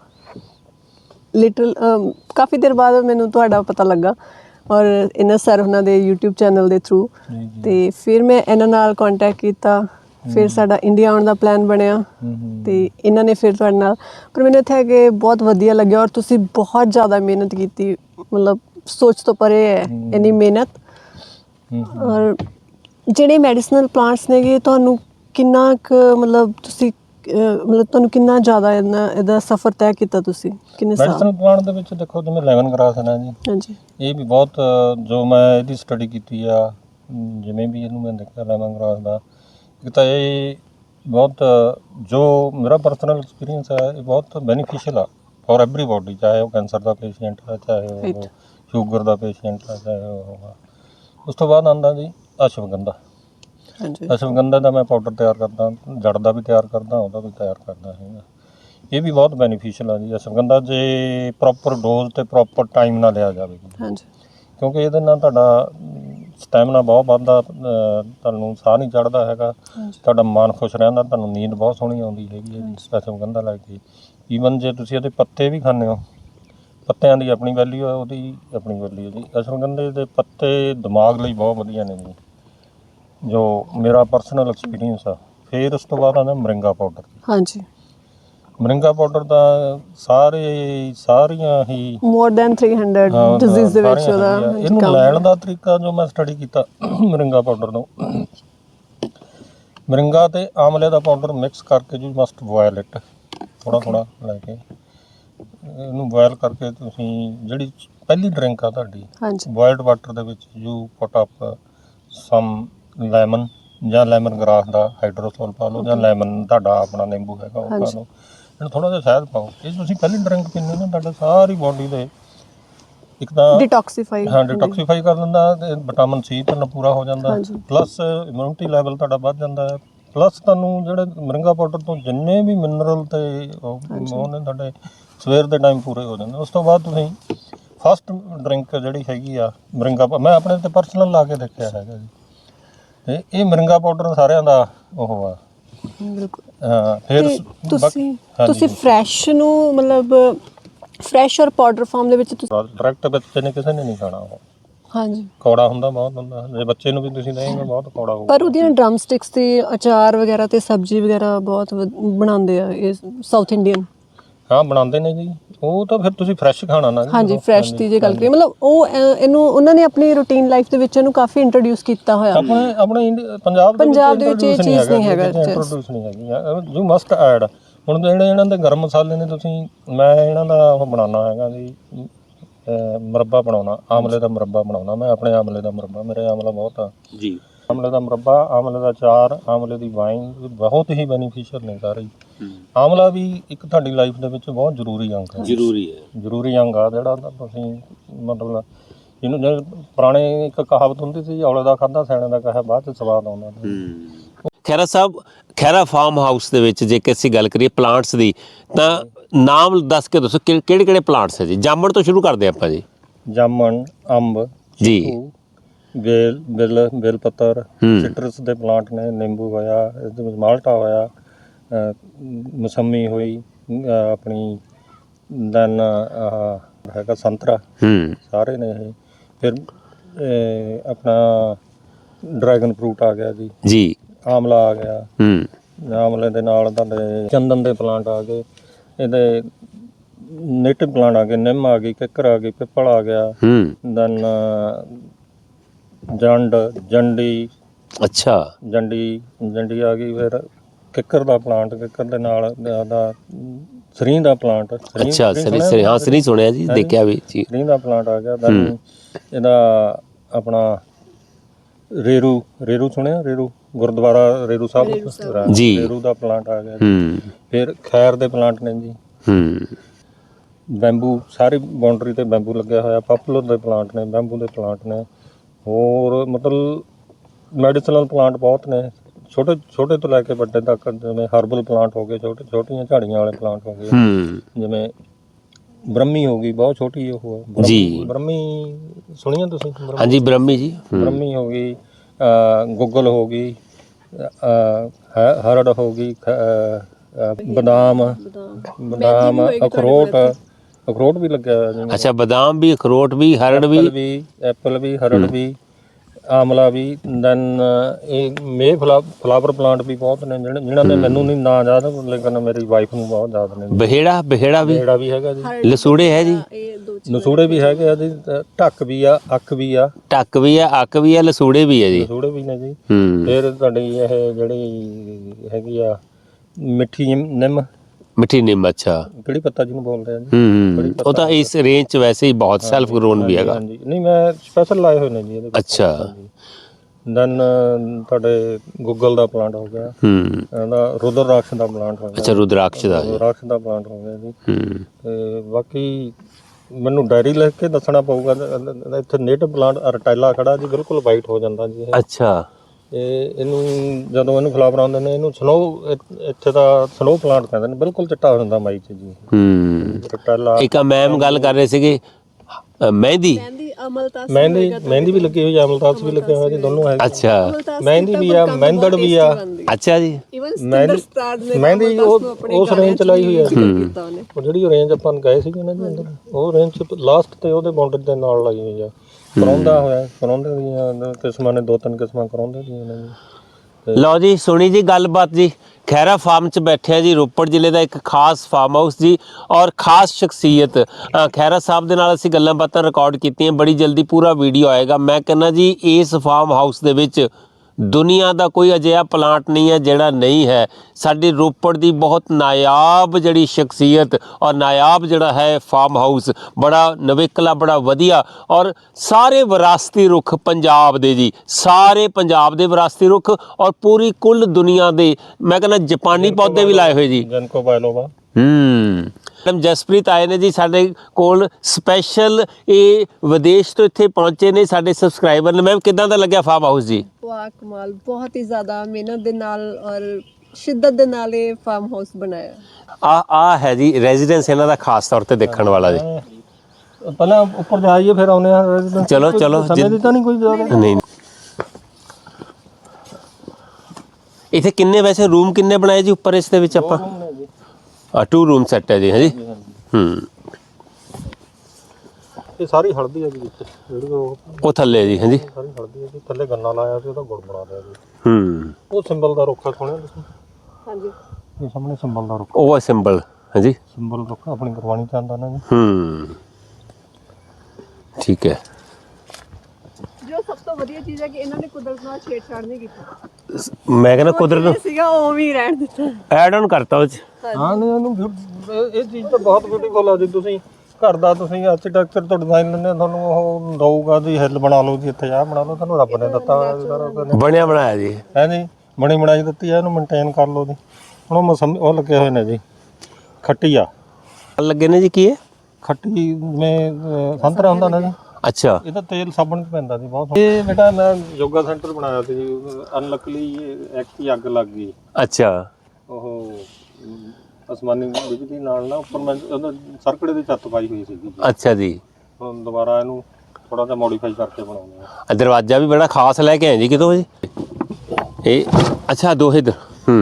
[SPEAKER 3] ਕਾਫੀ ਦੇਰ ਬਾਅਦ ਮੈਨੂੰ ਤੁਹਾਡਾ ਪਤਾ ਲੱਗਾ ਔਰ ਇਹਨਾਂ ਸਰ ਉਹਨਾਂ ਦੇ YouTube ਚੈਨਲ ਦੇ ਥਰੂ, ਤੇ ਫਿਰ ਮੈਂ ਇਹਨਾਂ ਨਾਲ ਕੰਟੈਕਟ ਕੀਤਾ। ਫਿਰ ਸਾਡਾ ਇੰਡੀਆ ਆਉਣ ਦਾ ਪਲਾਨ ਬਣਿਆ ਤੇ ਇਹਨਾਂ ਨੇ ਫਿਰ ਤੁਹਾਡੇ ਨਾਲ, ਪਰ ਮੈਨੂੰ ਇੱਥੇ ਆ ਕੇ ਬਹੁਤ ਵਧੀਆ ਲੱਗਿਆ। ਔਰ ਤੁਸੀਂ ਬਹੁਤ ਜ਼ਿਆਦਾ ਮਿਹਨਤ ਕੀਤੀ, ਮਤਲਬ ਸੋਚ ਤੋਂ ਪਰੇ ਹੈ ਇੰਨੀ ਮਿਹਨਤ। ਔਰ ਜਿਹੜੇ ਮੈਡੀਸਨਲ ਪਲਾਂਟਸ ਨੇਗੇ, ਤੁਹਾਨੂੰ ਕਿੰਨਾ ਕੁ ਮਤਲਬ ਤੁਸੀਂ ਤੁਹਾਨੂੰ ਕਿੰਨਾ ਜ਼ਿਆਦਾ ਇਹਦਾ ਸਫ਼ਰ ਤੈਅ ਕੀਤਾ ਤੁਸੀਂ, ਕਿੰਨੇ ਸਾਲ?
[SPEAKER 1] ਮੈਡੀਸਨਲ ਪਲਾਂਟ ਦੇ ਵਿੱਚ ਦੇਖੋ ਜਿਵੇਂ ਲੈਮਨ ਗ੍ਰਾਸ ਹੈ ਨਾ ਜੀ,
[SPEAKER 3] ਹਾਂਜੀ,
[SPEAKER 1] ਇਹ ਵੀ ਬਹੁਤ, ਜੋ ਮੈਂ ਇਹਦੀ ਸਟੱਡੀ ਕੀਤੀ ਆ, ਜਿਵੇਂ ਵੀ ਇਹਨੂੰ ਮੈਂ ਦੇਖਿਆ ਲੈਮਨ ਗ੍ਰਾਸ ਦਾ, ਇੱਕ ਤਾਂ ਇਹ ਬਹੁਤ, ਜੋ ਮੇਰਾ ਪਰਸਨਲ ਐਕਸਪੀਰੀਅੰਸ ਹੈ, ਇਹ ਬਹੁਤ ਬੈਨੀਫੀਸ਼ੀਅਲ ਆ ਫॉर ਐਵਰੀਬਾਡੀ, ਚਾਹੇ ਉਹ ਕੈਂਸਰ ਦਾ ਪੇਸ਼ੈਂਟ ਹੈ, ਚਾਹੇ ਉਹ ਸ਼ੂਗਰ ਦਾ ਪੇਸ਼ੈਂਟ ਹੈ, ਚਾਹੇ ਉਹ। ਉਸ ਤੋਂ ਬਾਅਦ ਆਉਂਦਾ ਜੀ ਅਸ਼ਵਗੰਧਾ। ਅਸ਼ਵਗੰਧਾ ਦਾ ਮੈਂ ਪਾਊਡਰ ਤਿਆਰ ਕਰਦਾ, ਜੜ ਦਾ ਵੀ ਤਿਆਰ ਕਰਦਾ, ਉਹਦਾ ਵੀ ਤਿਆਰ ਕਰਦਾ ਹੈਗਾ। ਇਹ ਵੀ ਬਹੁਤ ਬੈਨੀਫੀਸ਼ੀਅਲ ਆ ਜੀ ਅਸ਼ਵਗੰਧਾ, ਜੇ ਪ੍ਰੋਪਰ ਡੋਜ਼ ਤੇ ਪ੍ਰੋਪਰ ਟਾਈਮ ਨਾਲ ਲਿਆ ਜਾਵੇ, ਕਿਉਂਕਿ ਇਹਦੇ ਨਾਲ ਤੁਹਾਡਾ ਸਟੈਮਿਨਾ ਬਹੁਤ ਵੱਧਦਾ, ਤੁਹਾਨੂੰ ਸਾਹ ਨਹੀਂ ਚੜ੍ਹਦਾ ਹੈਗਾ, ਤੁਹਾਡਾ ਮਨ ਖੁਸ਼ ਰਹਿੰਦਾ, ਤੁਹਾਨੂੰ ਨੀਂਦ ਬਹੁਤ ਸੋਹਣੀ ਆਉਂਦੀ ਹੈਗੀ ਹੈ ਜੀ ਅਸ਼ਵਗੰਧਾ ਲੈ ਕੇ। ਈਵਨ ਜੇ ਤੁਸੀਂ ਇਹਦੇ ਪੱਤੇ ਵੀ ਖਾਂਦੇ ਹੋ, ਪੱਤਿਆਂ ਦੀ ਆਪਣੀ ਵੈਲਿਊ ਹੈ, ਉਹਦੀ ਆਪਣੀ ਵੈਲਿਊ ਹੈ ਜੀ। ਅਸ਼ਵਗੰਧੇ ਦੇ ਪੱਤੇ ਦਿਮਾਗ ਲਈ ਬਹੁਤ ਵਧੀਆ ਨੇ ਜੀ, ਜੋ ਮੇਰਾ ਪਰਸਨਲ ਐਕਸਪੀਰੀਅੰਸ ਆ। ਫਿਰ ਉਸ ਤੋਂ ਬਾਅਦ ਆਉਂਦਾ ਮਰਿੰਗਾ ਪਾਊਡਰ। ਹਾਂਜੀ, ਮਰਿੰਗਾ ਪਾਊਡਰ ਦਾ ਸਾਰੀਆਂ ਹੀ
[SPEAKER 3] ਮੋਰ ਦੈਨ 300 ਡਿਜ਼ੀਜ਼ ਦੇ ਵਿੱਚ ਉਹਦਾ
[SPEAKER 1] ਇਹਨੂੰ ਲੈਣ ਦਾ ਤਰੀਕਾ ਜੋ ਮੈਂ ਸਟੱਡੀ ਕੀਤਾ ਮਰਿੰਗਾ ਪਾਊਡਰ ਨੂੰ, ਮਰਿੰਗਾ ਤੇ ਆਮਲੇ ਦਾ ਪਾਊਡਰ ਮਿਕਸ ਕਰਕੇ ਜੀ ਮਸਟ ਬੋਇਲ ਇਟ, ਥੋੜਾ ਲੈ ਕੇ ਇਹਨੂੰ ਬੋਇਲ ਕਰਕੇ ਤੁਸੀਂ ਜਿਹੜੀ ਪਹਿਲੀ ਡਰਿੰਕ ਆ ਤੁਹਾਡੀ, ਬੋਇਲਡ ਵਾਟਰ ਦੇ ਵਿੱਚ you put up some lemon ਜਾਂ ਲੈਮਨ ਗ੍ਰਾਸ ਦਾ ਹਾਈਡਰੋਸੋਲ ਪਾ ਲਓ, ਜਾਂ ਲੈਮਨ ਤੁਹਾਡਾ ਆਪਣਾ ਨਿੰਬੂ ਹੈਗਾ ਉਹ ਪਾ ਲਓ, ਇਹਨੂੰ ਥੋੜਾ ਜਿਹਾ ਸ਼ਹਿਦ ਪਾਓ। ਇਹ ਤੁਸੀਂ ਪਹਿਲੀ ਡਰਿੰਕ ਪੀਂਦੇ ਨਾ, ਤੁਹਾਡਾ ਸਾਰੀ ਬੋਡੀ ਦੇ ਇੱਕ ਤਾਂ ਡਿਟੌਕਸੀਫਾਈ ਕਰ ਦਿੰਦਾ, ਤੇ ਵਿਟਾਮਿਨ ਸੀ ਤੁਹਾਨੂੰ ਪੂਰਾ ਹੋ ਜਾਂਦਾ, ਪਲੱਸ ਇਮਿਊਨਿਟੀ ਲੈਵਲ ਤੁਹਾਡਾ ਵੱਧ ਜਾਂਦਾ ਹੈ, ਪਲੱਸ ਤੁਹਾਨੂੰ ਜਿਹੜੇ ਮਰਿੰਗਾ ਪਾਊਡਰ ਤੋਂ ਜਿੰਨੇ ਵੀ ਮਿਨਰਲ ਤੇ ਉਹਨੇ ਤੁਹਾਡੇ ਸਵੇਰ ਦੇ ਟਾਈਮ ਪੂਰੇ ਹੋ ਜਾਂਦੇ। ਉਸ ਤੋਂ ਬਾਅਦ ਤੁਸੀਂ ਫਸਟ ਡਰਿੰਕ ਜਿਹੜੀ ਹੈਗੀ ਆ ਮਰਿੰਗਾ, ਮੈਂ ਆਪਣੇ ਤੇ ਪਰਸਨਲ ਲਾ ਕੇ ਦੇਖਿਆ ਹੈਗਾ ਜੀ, ਤੇ ਇਹ ਮਰਿੰਗਾ ਪਾਊਡਰ ਸਾਰਿਆਂ ਦਾ ਉਹ ਆ। ਹਾਂ, ਫਿਰ
[SPEAKER 3] ਤੁਸੀਂ ਫਰੈਸ਼ ਨੂੰ ਮਤਲਬ ਫਰੈਸ਼ ਔਰ ਪਾਊਡਰ ਫਾਰਮ ਦੇ ਵਿੱਚ
[SPEAKER 1] ਡਾਇਰੈਕਟ ਬੱਚੇ ਨੇ ਕਿਸੇ ਨੇ ਨਹੀਂ ਖਾਣਾ ਉਹ। ਹਾਂਜੀ, ਕੌੜਾ ਹੁੰਦਾ, ਬਹੁਤ ਹੁੰਦਾ, ਜੇ ਬੱਚੇ ਨੂੰ ਵੀ ਤੁਸੀਂ ਦੇਂਗੇ ਬਹੁਤ ਕੌੜਾ ਹੋਊਗਾ।
[SPEAKER 3] ਪਰ ਉਹਦੀਆਂ ਡਰਮ ਸਟਿਕਸ ਤੇ ਅਚਾਰ ਵਗੈਰਾ ਤੇ ਸਬਜ਼ੀ ਵਗੈਰਾ ਬਹੁਤ ਬਣਾਉਂਦੇ ਆ ਇਹ ਸਾਊਥ ਇੰਡੀਅਨ।
[SPEAKER 1] ਹਾਂ ਬਣਾਉਂਦੇ ਨੇ ਜੀ, ਉਹ ਤਾਂ ਫਿਰ ਤੁਸੀਂ ਫਰੈਸ਼ ਖਾਣਾ ਨਾ।
[SPEAKER 3] ਹਾਂਜੀ, ਫਰੈਸ਼ ਦੀ ਜੇ ਗੱਲ ਕਰੀਏ, ਮਤਲਬ ਉਹ ਇਹਨੂੰ ਉਹਨਾਂ ਨੇ ਆਪਣੀ ਰੂਟੀਨ ਲਾਈਫ ਦੇ ਵਿੱਚ ਇਹਨੂੰ ਕਾਫੀ ਇੰਟਰੋਡਿਊਸ ਕੀਤਾ ਹੋਇਆ।
[SPEAKER 1] ਆਪਣੇ ਪੰਜਾਬ ਦੇ ਵਿੱਚ ਇਹ ਚੀਜ਼ ਨਹੀਂ ਹੈਗਾ, ਇੰਟਰੋਡਿਊਸ ਨਹੀਂ ਹੈਗੀ, ਯੂ ਮਸਟ ਐਡ। ਹੁਣ ਜਿਹੜੇ ਇਹਨਾਂ ਦੇ ਗਰਮ ਮਸਾਲੇ ਨੇ, ਤੁਸੀਂ, ਮੈਂ ਇਹਨਾਂ ਦਾ ਉਹ ਬਣਾਉਣਾ ਹੈਗਾ ਜੀ, ਮੁਰੱਬਾ ਬਣਾਉਣਾ, ਆਮਲੇ ਦਾ ਮੁਰੱਬਾ ਬਣਾਉਣਾ ਮੈਂ, ਆਪਣੇ ਆਮਲੇ ਦਾ ਮੁਰੱਬਾ, ਮੇਰੇ ਆਮਲਾ ਬਹੁਤ ਆ ਜੀ, ਆਮਲੇ ਦਾ ਮੁਰੱਬਾ, ਆਮਲੇ ਦਾ ਅਚਾਰ, ਆਮਲੇ ਦੀ ਵਾਈਨ, ਬਹੁਤ ਹੀ ਬੈਨੀਫੀਸ਼ੀਅਲ ਨੇ ਸਾਰੇ। ਆਮਲਾ ਵੀ ਇੱਕ ਤੁਹਾਡੀ ਲਾਈਫ ਦੇ ਵਿੱਚ ਬਹੁਤ ਜ਼ਰੂਰੀ ਅੰਗ ਹੈ, ਜ਼ਰੂਰੀ ਅੰਗ ਆ, ਜਿਹੜਾ ਤੁਸੀਂ ਮਤਲਬ ਇਹਨੂੰ, ਜਿਹੜੇ ਪੁਰਾਣੇ ਇੱਕ ਕਹਾਵਤ ਹੁੰਦੀ ਸੀ, ਔਲੇ ਦਾ ਖਾਧਾ ਸਿਆਣੇ ਦਾ ਕਹਾ, ਬਾਅਦ 'ਚ ਸਵਾਦ ਆਉਂਦਾ।
[SPEAKER 2] ਖਹਿਰਾ ਸਾਹਿਬ, ਖਹਿਰਾ ਫਾਰਮ ਹਾਊਸ ਦੇ ਵਿੱਚ ਜੇ ਅਸੀਂ ਗੱਲ ਕਰੀਏ ਪਲਾਂਟਸ ਦੀ, ਤਾਂ ਨਾਮ ਦੱਸ ਕੇ ਦੱਸੋ ਕਿਹੜੇ ਕਿਹੜੇ ਪਲਾਂਟਸ ਹੈ ਜੀ? ਜਾਮਣ ਤੋਂ ਸ਼ੁਰੂ ਕਰਦੇ ਆਪਾਂ ਜੀ।
[SPEAKER 1] ਜਾਮਣ, ਅੰਬ ਜੀ, ਬੇਲ ਪੱਤਰ, ਸਿਟਰਸ ਦੇ ਪਲਾਂਟ ਨੇ, ਨਿੰਬੂ ਹੋਇਆ, ਇਹਦੇ ਵਿੱਚ ਮਾਲਟਾ ਹੋਇਆ, ਮੌਸੰਮੀ ਹੋਈ ਆਪਣੀ, ਦੈਨ ਹੈਗਾ ਸੰਤਰਾ, ਸਾਰੇ ਨੇ ਇਹ। ਫਿਰ ਆਪਣਾ ਡਰੈਗਨ ਫਰੂਟ ਆ ਗਿਆ ਜੀ, ਆਮਲਾ ਆ ਗਿਆ, ਆਮਲੇ ਦੇ ਨਾਲ ਤੁਹਾਡੇ ਚੰਦਨ ਦੇ ਪਲਾਂਟ ਆ ਗਏ, ਇਹਦੇ ਨੇਟਿਵ ਪਲਾਂਟ ਆ ਗਏ, ਨਿੰਮ ਆ ਗਈ, ਕਿੱਕਰ ਆ ਗਈ, ਪਿੱਪਲ ਆ ਗਿਆ, ਦੈਨ ਜੰਡੀ, ਅੱਛਾ ਜੰਡੀ ਆ ਗਈ। ਫਿਰ ਕਿੱਕਰ ਦਾ ਪਲਾਂਟ, ਕਿੱਕਰ ਦੇ ਨਾਲ ਦਾ ਸਰੀਂ ਦਾ ਪਲਾਂਟ,
[SPEAKER 2] ਅੱਛਾ ਸਰੀਂ ਸੁਣਿਆ ਜੀ, ਦੇਖਿਆ ਵੀ ਜੀ,
[SPEAKER 1] ਸਰੀਂ ਦਾ ਪਲਾਂਟ ਆ ਗਿਆ। ਦੈਨ ਇਹਦਾ ਆਪਣਾ ਰੇਰੂ ਸੁਣਿਆ, ਰੇਰੂ ਗੁਰਦੁਆਰਾ ਰੇਰੂ ਸਾਹਿਬ ਜੀ, ਰੇਰੂ ਦਾ ਪਲਾਂਟ ਆ ਗਿਆ। ਫਿਰ ਖੈਰ ਦੇ ਪਲਾਂਟ ਨੇ ਜੀ, ਬੈਂਬੂ, ਸਾਰੀ ਬਾਉਂਡਰੀ ਤੇ ਬੈਂਬੂ ਲੱਗਿਆ ਹੋਇਆ, ਪਾਪੂਲਰ ਦੇ ਪਲਾਂਟ ਨੇ, ਬੈਂਬੂ ਦੇ ਪਲਾਂਟ ਨੇ। ਹੋਰ ਮਤਲਬ ਮੈਡੀਸਨਲ ਪਲਾਂਟ ਬਹੁਤ ਨੇ, ਛੋਟੇ ਤੋਂ ਲੈ ਕੇ ਵੱਡੇ ਤੱਕ, ਜਿਵੇਂ ਹਰਬਲ ਪਲਾਂਟ ਹੋ ਗਏ, ਛੋਟੀਆਂ ਝਾੜੀਆਂ ਵਾਲੇ ਪਲਾਂਟ ਹੋ ਗਏ, ਜਿਵੇਂ ਬ੍ਰਹਮੀ ਹੋ ਗਈ, ਬਹੁਤ ਛੋਟੀ ਉਹ ਹੈ
[SPEAKER 2] ਜੀ।
[SPEAKER 1] ਬ੍ਰਹਮੀ ਸੁਣੀਆਂ ਤੁਸੀਂ?
[SPEAKER 2] ਹਾਂਜੀ ਬ੍ਰਹਮੀ ਜੀ।
[SPEAKER 1] ਬ੍ਰਹਮੀ ਹੋ ਗਈ, ਗੁੱਗਲ ਹੋ ਗਈ, ਹਰੜ ਹੋ ਗਈ, ਬਦਾਮ ਅਖਰੋਟ ਵੀ ਲੱਗਿਆ ਹੋਇਆ ਜੀ।
[SPEAKER 2] ਅੱਛਾ ਬਦਾਮ ਵੀ, ਅਖਰੋਟ ਵੀ, ਹਰੜ ਵੀ,
[SPEAKER 1] ਐਪਲ ਵੀ, ਹਰੜ ਵੀ, ਆਮਲਾ ਵੀ। ਦੈਨ ਇਹ ਮੇ ਫਲਾਵਰ ਪਲਾਂਟ ਵੀ ਬਹੁਤ ਨੇ ਜਿਹਨਾਂ ਦੇ ਮੈਨੂੰ ਨਹੀਂ ਨਾਂ ਯਾਦ, ਲੇਕਿਨ ਮੇਰੀ ਵਾਈਫ ਨੂੰ ਬਹੁਤ ਯਾਦ ਨੇ।
[SPEAKER 2] ਬਹੇੜਾ
[SPEAKER 1] ਵੀ ਹੈਗਾ ਜੀ,
[SPEAKER 2] ਲਸੂੜੇ ਹੈ ਜੀ,
[SPEAKER 1] ਲਸੂੜੇ ਵੀ ਹੈਗੇ ਆ ਜੀ, ਢੱਕ ਵੀ ਆ, ਅੱਖ ਵੀ ਆ,
[SPEAKER 2] ਟੱਕ ਵੀ ਆ, ਅੱਕ ਵੀ ਆ, ਲਸੂੜੇ ਵੀ ਆ ਜੀ।
[SPEAKER 1] ਲਸੂੜੇ ਵੀ ਨੇ ਜੀ। ਫਿਰ ਤੁਹਾਡੀ ਇਹ ਜਿਹੜੀ ਹੈਗੀ ਆ ਮਿੱਠੀ ਨਿੰਮ,
[SPEAKER 2] ਮਿੱਠੀ ਨਿੰਮ। ਅੱਛਾ
[SPEAKER 1] ਕੜੀ ਪੱਤਾ ਜਿਹਨੂੰ ਬੋਲਦੇ ਆ ਜੀ।
[SPEAKER 2] ਉਹ ਤਾਂ ਇਸ ਰੇਂਜ 'ਚ ਵੈਸੇ ਹੀ ਬਹੁਤ ਸੈਲਫ ਗਰੋਨ ਵੀ ਹੈਗਾ।
[SPEAKER 1] ਹਾਂਜੀ, ਨਹੀਂ ਮੈਂ ਸਪੈਸ਼ਲ ਲਾਏ ਹੋਏ ਨੇ ਜੀ ਇਹਦੇ।
[SPEAKER 2] ਅੱਛਾ।
[SPEAKER 1] ਦੈਨ ਤੁਹਾਡੇ ਗੂਗਲ ਦਾ ਪਲਾਂਟ ਹੋ ਗਿਆ, ਇਹਦਾ ਰੁਦਰਾਕਸ਼ ਦਾ ਪਲਾਂਟ ਹੋ ਗਿਆ।
[SPEAKER 2] ਅੱਛਾ ਰੁਦਰਾਕਸ਼ ਦਾ
[SPEAKER 1] ਪਲਾਂਟ ਹੋ ਗਿਆ ਜੀ। ਤੇ ਬਾਕੀ ਮੈਨੂੰ ਡਾਇਰੀ ਲਿਖ ਕੇ ਦੱਸਣਾ ਪਊਗਾ। ਇੱਥੇ ਨੇਟਿਵ ਪਲਾਂਟ ਅਰਟੈਲਾ ਖੜਾ ਜੀ, ਬਿਲਕੁਲ ਵਾਈਟ ਹੋ ਜਾਂਦਾ ਜੀ ਇਹ।
[SPEAKER 2] ਅੱਛਾ।
[SPEAKER 1] ਇਹਨੂੰ ਜਦੋਂ ਇਹਨੂੰ ਫਲਾਵਰ ਆਉਂਦੇ ਨੇ, ਇਹਨੂੰ ਇੱਥੇ ਦਾ ਸਨੋ ਪਲਾਂਟ ਕਹਿੰਦੇ ਨੇ, ਬਿਲਕੁਲ ਚਿੱਟਾ ਹੋ ਜਾਂਦਾ ਮਾਈ 'ਚ ਜੀ। ਅਰਟੈਲਾ।
[SPEAKER 2] ਇੱਕ ਮੈਮ ਗੱਲ ਕਰ ਰਹੇ ਸੀਗੇ ਮਹਿੰਦੀ
[SPEAKER 1] ਮਹਿੰਦੀ ਵੀ ਲੱਗੀ ਹੋਈ, ਅਮਲਤਾਸ ਵੀ ਲੱਗਿਆ ਹੋਇਆ ਜੀ, ਦੋਨੋਂ ਹੈ।
[SPEAKER 2] ਅੱਛਾ
[SPEAKER 1] ਮਹਿੰਦੀ ਵੀ ਆ, ਮਹਿੰਦੜ ਵੀ ਆ।
[SPEAKER 2] ਅੱਛਾ ਜੀ।
[SPEAKER 1] ਮਹਿੰਦੀ ਉਸ ਰੇਂਜ ਚ ਲਾਈ ਹੋਈ ਆ। ਉਹ ਜਿਹੜੀ ਰੇਂਜ ਆਪਾਂ ਗਏ ਸੀਗੇ ਨਾ ਜੀ ਅੰਦਰ, ਉਹ ਰੇਂਜ ਚ ਲਾਸਟ ਤੇ ਉਹਦੇ ਬਾਉਂਡਰੀ ਦੇ ਨਾਲ ਲਾਈ ਹੋਈ ਆ। ਕਰੌਂਦਾ ਹੋਇਆ, ਕਰੌਂਦੇ ਦੀਆਂ ਕਿਸਮਾਂ ਨੇ, 2-3 ਕਿਸਮਾਂ ਕਰੌਂਦੇ ਦੀਆਂ ਨੇ ਜੀ।
[SPEAKER 2] ਲਓ ਜੀ ਸੁਣੀ ਜੀ ਗੱਲਬਾਤ ਜੀ। ਖੈਰਾ ਫਾਰਮ 'ਚ ਬੈਠਿਆ ਜੀ, ਰੋਪੜ ਜ਼ਿਲ੍ਹੇ ਦਾ ਇੱਕ ਖਾਸ ਫਾਰਮ ਹਾਊਸ ਜੀ, ਔਰ ਖਾਸ ਸ਼ਖਸੀਅਤ ਖੈਰਾ ਸਾਹਿਬ ਦੇ ਨਾਲ ਅਸੀਂ ਗੱਲਾਂ ਬਾਤਾਂ ਰਿਕਾਰਡ ਕੀਤੀਆਂ। ਬੜੀ ਜਲਦੀ ਪੂਰਾ ਵੀਡੀਓ ਆਏਗਾ। ਮੈਂ ਕਹਿੰਦਾ ਜੀ ਇਸ ਫਾਰਮ ਹਾਊਸ ਦੇ ਵਿੱਚ ਦੁਨੀਆ ਦਾ ਕੋਈ ਅਜਿਹਾ ਪਲਾਂਟ ਨਹੀਂ ਹੈ ਜਿਹੜਾ ਨਹੀਂ ਹੈ। ਸਾਡੇ ਰੋਪੜ ਦੀ ਬਹੁਤ ਨਾਯਾਬ ਜਿਹੜੀ ਸ਼ਖਸੀਅਤ ਔਰ ਨਾਯਾਬ ਜਿਹੜਾ ਹੈ ਫਾਰਮ ਹਾਊਸ, ਬੜਾ ਨਵੇਕਲਾ, ਬੜਾ ਵਧੀਆ, ਔਰ ਸਾਰੇ ਵਿਰਾਸਤੀ ਰੁੱਖ ਪੰਜਾਬ ਦੇ ਜੀ, ਸਾਰੇ ਪੰਜਾਬ ਦੇ ਵਿਰਾਸਤੀ ਰੁੱਖ, ਔਰ ਪੂਰੀ ਕੁੱਲ ਦੁਨੀਆ ਦੇ ਮੈਂ ਕਹਿੰਦਾ ਜਾਪਾਨੀ ਪੌਦੇ ਵੀ ਲਾਏ ਹੋਏ ਜੀ।
[SPEAKER 1] ਜਨਕੋ ਬਾਇਲੋਵਾ।
[SPEAKER 2] ਮੈਡਮ ਜਸਪ੍ਰੀਤ ਆਏ ਨੇ ਜੀ ਸਾਡੇ ਕੋਲ ਸਪੈਸ਼ਲ, ਇਹ ਵਿਦੇਸ਼ ਤੋਂ ਇੱਥੇ ਪਹੁੰਚੇ ਨੇ ਸਾਡੇ ਸਬਸਕ੍ਰਾਈਬਰ ਨੇ। ਮੈਮ ਕਿੱਦਾਂ ਦਾ ਲੱਗਿਆ ਫਾਰਮ ਹਾਊਸ ਜੀ?
[SPEAKER 3] ਵਾਹ ਕਮਾਲ, ਬਹੁਤ ਹੀ ਜ਼ਿਆਦਾ ਮਿਹਨਤ ਦੇ ਨਾਲ ਔਰ ਸ਼ਿੱਦਤ ਦੇ ਨਾਲ ਇਹ ਫਾਰਮ ਹਾਊਸ ਬਣਾਇਆ।
[SPEAKER 2] ਆ ਹੈ ਜੀ ਰੈਜ਼ੀਡੈਂਸ ਇਹਨਾਂ ਦਾ ਖਾਸ ਤੌਰ ਤੇ ਦੇਖਣ ਵਾਲਾ ਜੀ।
[SPEAKER 1] ਪਹਿਲਾਂ ਉੱਪਰ ਜਾਈਏ ਫਿਰ ਆਉਨੇ ਆ।
[SPEAKER 2] ਚਲੋ
[SPEAKER 1] ਸਮੇਂ ਦੀ ਤਾਂ ਨਹੀਂ ਕੋਈ ਜ਼ਿਆਦਾ।
[SPEAKER 2] ਨਹੀਂ ਇੱਥੇ ਕਿੰਨੇ ਵੈਸੇ ਰੂਮ ਕਿੰਨੇ ਬਣਾਏ ਜੀ ਉੱਪਰ ਇਸ ਦੇ ਵਿੱਚ ਆਪਾਂ? 2 ਰੂਮ ਸੈੱਟ ਹੈ ਜੀ। ਹੈ ਜੀ।
[SPEAKER 1] ਇਹ ਸਾਰੀ ਹਲਦੀ ਹੈ ਜੀ ਵਿੱਚ, ਜਿਹੜੀ
[SPEAKER 2] ਉਹ ਥੱਲੇ ਜੀ। ਹਾਂਜੀ
[SPEAKER 1] ਸਾਰੀ ਹਲਦੀ ਹੈ ਜੀ। ਥੱਲੇ ਗੰਨਾ ਲਾਇਆ ਸੀ, ਉਹਦਾ ਗੁੜ ਬਣਾ ਲਿਆ ਜੀ। ਉਹ ਸਿੰਬਲ ਦਾ ਰੁੱਖ ਸੁਣਿਆ ਤੁਸੀਂ? ਹਾਂਜੀ। ਇਹ ਸਾਹਮਣੇ ਸਿੰਬਲ ਦਾ ਰੁੱਖ,
[SPEAKER 2] ਉਹ ਹੈ ਸਿੰਬਲ। ਹਾਂਜੀ
[SPEAKER 1] ਸਿੰਬਲ ਰੁੱਖ ਆਪਣੀ ਗੁਰਬਾਣੀ ਚ ਆਉਂਦਾ ਨਾ ਜੀ।
[SPEAKER 2] ਠੀਕ ਹੈ।
[SPEAKER 3] ਜੋ ਸਭ ਤੋਂ ਵਧੀਆ ਚੀਜ਼ ਹੈ ਕਿ ਇਹਨਾਂ ਨੇ ਕੁਦਰਤ ਨਾਲ ਛੇੜਛਾੜ ਨਹੀਂ ਕੀਤੀ।
[SPEAKER 2] ਮੈਂ ਕਹਿੰਦਾ ਕੁਦਰਤ ਨੂੰ
[SPEAKER 3] ਸੀਗਾ ਉਹ ਵੀ ਰਹਿਣ ਦਿੱਤਾ,
[SPEAKER 2] ਐਡ ਆਨ ਕਰਤਾ ਉਹ 'ਚ।
[SPEAKER 1] ਹਾਂ ਨਹੀਂ ਉਹਨੂੰ ਇਹ ਚੀਜ਼ ਤਾਂ ਬਹੁਤ ਬਿਊਟੀਫੁਲ ਆ ਜੀ। ਤੁਸੀਂ ਘਰ ਦਾ ਤੁਸੀਂ ਆਰਕੀਟੈਕਚਰ ਤੋਂ ਡਿਜ਼ਾਈਨ ਲੈਂਦੇ, ਤੁਹਾਨੂੰ ਉਹ ਦਊਗਾ ਜੀ, ਹਿੱਲ ਬਣਾ ਲਓ ਜੀ, ਇੱਥੇ ਆਹ ਬਣਾ ਲਓ, ਤੁਹਾਨੂੰ ਰੱਬ ਨੇ ਦਿੱਤਾ
[SPEAKER 2] ਬਣਿਆ ਬਣਾਇਆ ਜੀ।
[SPEAKER 1] ਹੈ ਜੀ, ਬਣੀ ਬਣਾਈ ਦਿੱਤੀ ਹੈ, ਇਹਨੂੰ ਮੇਨਟੇਨ ਕਰ ਲਓ ਜੀ। ਹੁਣ ਉਹ ਮੌਸਮ ਉਹ ਲੱਗੇ ਹੋਏ ਨੇ ਜੀ, ਖੱਟੀਆ
[SPEAKER 2] ਲੱਗੇ ਨੇ ਜੀ। ਕੀ ਹੈ?
[SPEAKER 1] ਖੱਟੀ ਜਿਵੇਂ ਸੰਤਰਾ ਹੁੰਦਾ ਨਾ ਜੀ।
[SPEAKER 2] ਅੱਛਾ।
[SPEAKER 1] ਇਹਦਾ ਤੇਲ ਸਾਬਣ 'ਚ ਪੈਂਦਾ ਸੀ ਬਹੁਤ। ਇਹ ਬੇਟਾ ਮੈਂ ਯੋਗਾ ਸੈਂਟਰ ਬਣਾਇਆ ਸੀ ਜੀ, ਅਨਲਕਲੀ ਐਕਟੀ ਅੱਗ ਲੱਗ ਗਈ।
[SPEAKER 2] ਅੱਛਾ।
[SPEAKER 1] ਉਹ ਅਸਮਾਨੀ ਬਿਜਲੀ ਨਾਲ ਨਾ ਉੱਪਰ ਮੈਂ ਉਹਦਾ ਸਰਕੜੇ ਦੀ ਛੱਤ ਪਾਈ ਹੋਈ ਸੀਗੀ।
[SPEAKER 2] ਅੱਛਾ ਜੀ।
[SPEAKER 1] ਹੁਣ ਦੁਬਾਰਾ ਇਹਨੂੰ ਥੋੜਾ ਜਿਹਾ ਮੋਡੀਫਾਈ ਕਰਕੇ ਬਣਾਉਂਦੇ ਆ।
[SPEAKER 2] ਦਰਵਾਜ਼ਾ ਵੀ ਬੜਾ ਖਾਸ ਲੈ ਕੇ ਆਏ ਜੀ ਕਿਤੋਂ ਜੀ? ਇਹ ਅੱਛਾ ਦੋ ਇਧਰ।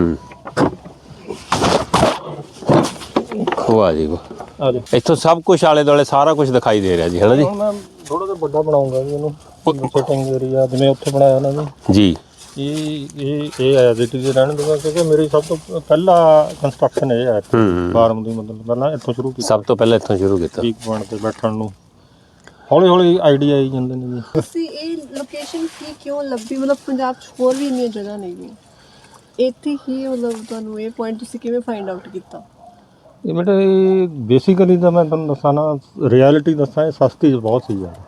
[SPEAKER 2] ਵਾਹ ਜੀ ਵਾਹ। ਇੱਥੋਂ ਸਭ ਕੁਝ ਆਲੇ ਦੁਆਲੇ ਸਾਰਾ ਕੁਝ ਦਿਖਾਈ ਦੇ ਰਿਹਾ ਜੀ, ਹੈ ਨਾ ਜੀ?
[SPEAKER 1] ਹੁਣ ਮੈਂ ਥੋੜਾ ਜਿਹਾ ਵੱਡਾ ਬਣਾਉਂਗਾ ਜੀ ਇਹਨੂੰ, ਸਿਟਿੰਗ ਏਰੀਆ ਜਿਵੇਂ ਉੱਥੇ ਬਣਾਇਆ ਨਾ ਜੀ। ਇਹ ਆਇਆ ਜੀ ਤੇ ਰਹਿਣ ਦੂਗਾ, ਕਿਉਂਕਿ ਮੇਰੀ ਸਭ ਤੋਂ ਪਹਿਲਾ ਕੰਸਟਰਕਸ਼ਨ ਇਹ ਹੈ ਫਾਰਮ ਦੀ। ਮਤਲਬ ਪਹਿਲਾਂ ਇੱਥੋਂ ਸ਼ੁਰੂ ਕੀਤਾ,
[SPEAKER 2] ਸਭ ਤੋਂ ਪਹਿਲਾਂ ਇੱਥੋਂ ਸ਼ੁਰੂ ਕੀਤਾ।
[SPEAKER 1] ਪੀਕ ਪੁਆਇੰਟ ਤੇ ਬੈਠਣ ਨੂੰ ਹੌਲੀ ਹੌਲੀ ਆਈਡੀਆ ਆਈ ਜਾਂਦੇ ਨੇ ਜੀ।
[SPEAKER 3] ਤੁਸੀਂ ਇਹ ਲੋਕੇਸ਼ਨ ਕੀ ਕਿਉਂ ਲੱਭੀ? ਮਤਲਬ ਪੰਜਾਬ 'ਚ ਹੋਰ ਵੀ ਇੰਨੀਆਂ ਜਗ੍ਹਾ ਨਹੀਂ ਗਈਆਂ, ਇੱਥੇ ਹੀ ਮਤਲਬ ਤੁਹਾਨੂੰ ਇਹ ਪੁਆਇੰਟ ਤੁਸੀਂ ਕਿਵੇਂ ਫਾਈਂਡ ਆਊਟ ਕੀਤਾ?
[SPEAKER 1] ਇਹ ਬੇਟਾ ਬੇਸਿਕਲੀ ਤਾਂ ਮੈਂ ਤੁਹਾਨੂੰ ਦੱਸਾਂ ਨਾ, ਰਿਐਲਿਟੀ ਦੱਸਾਂ, ਇਹ ਸਸਤੀ ਬਹੁਤ ਸੀ ਯਾਰ।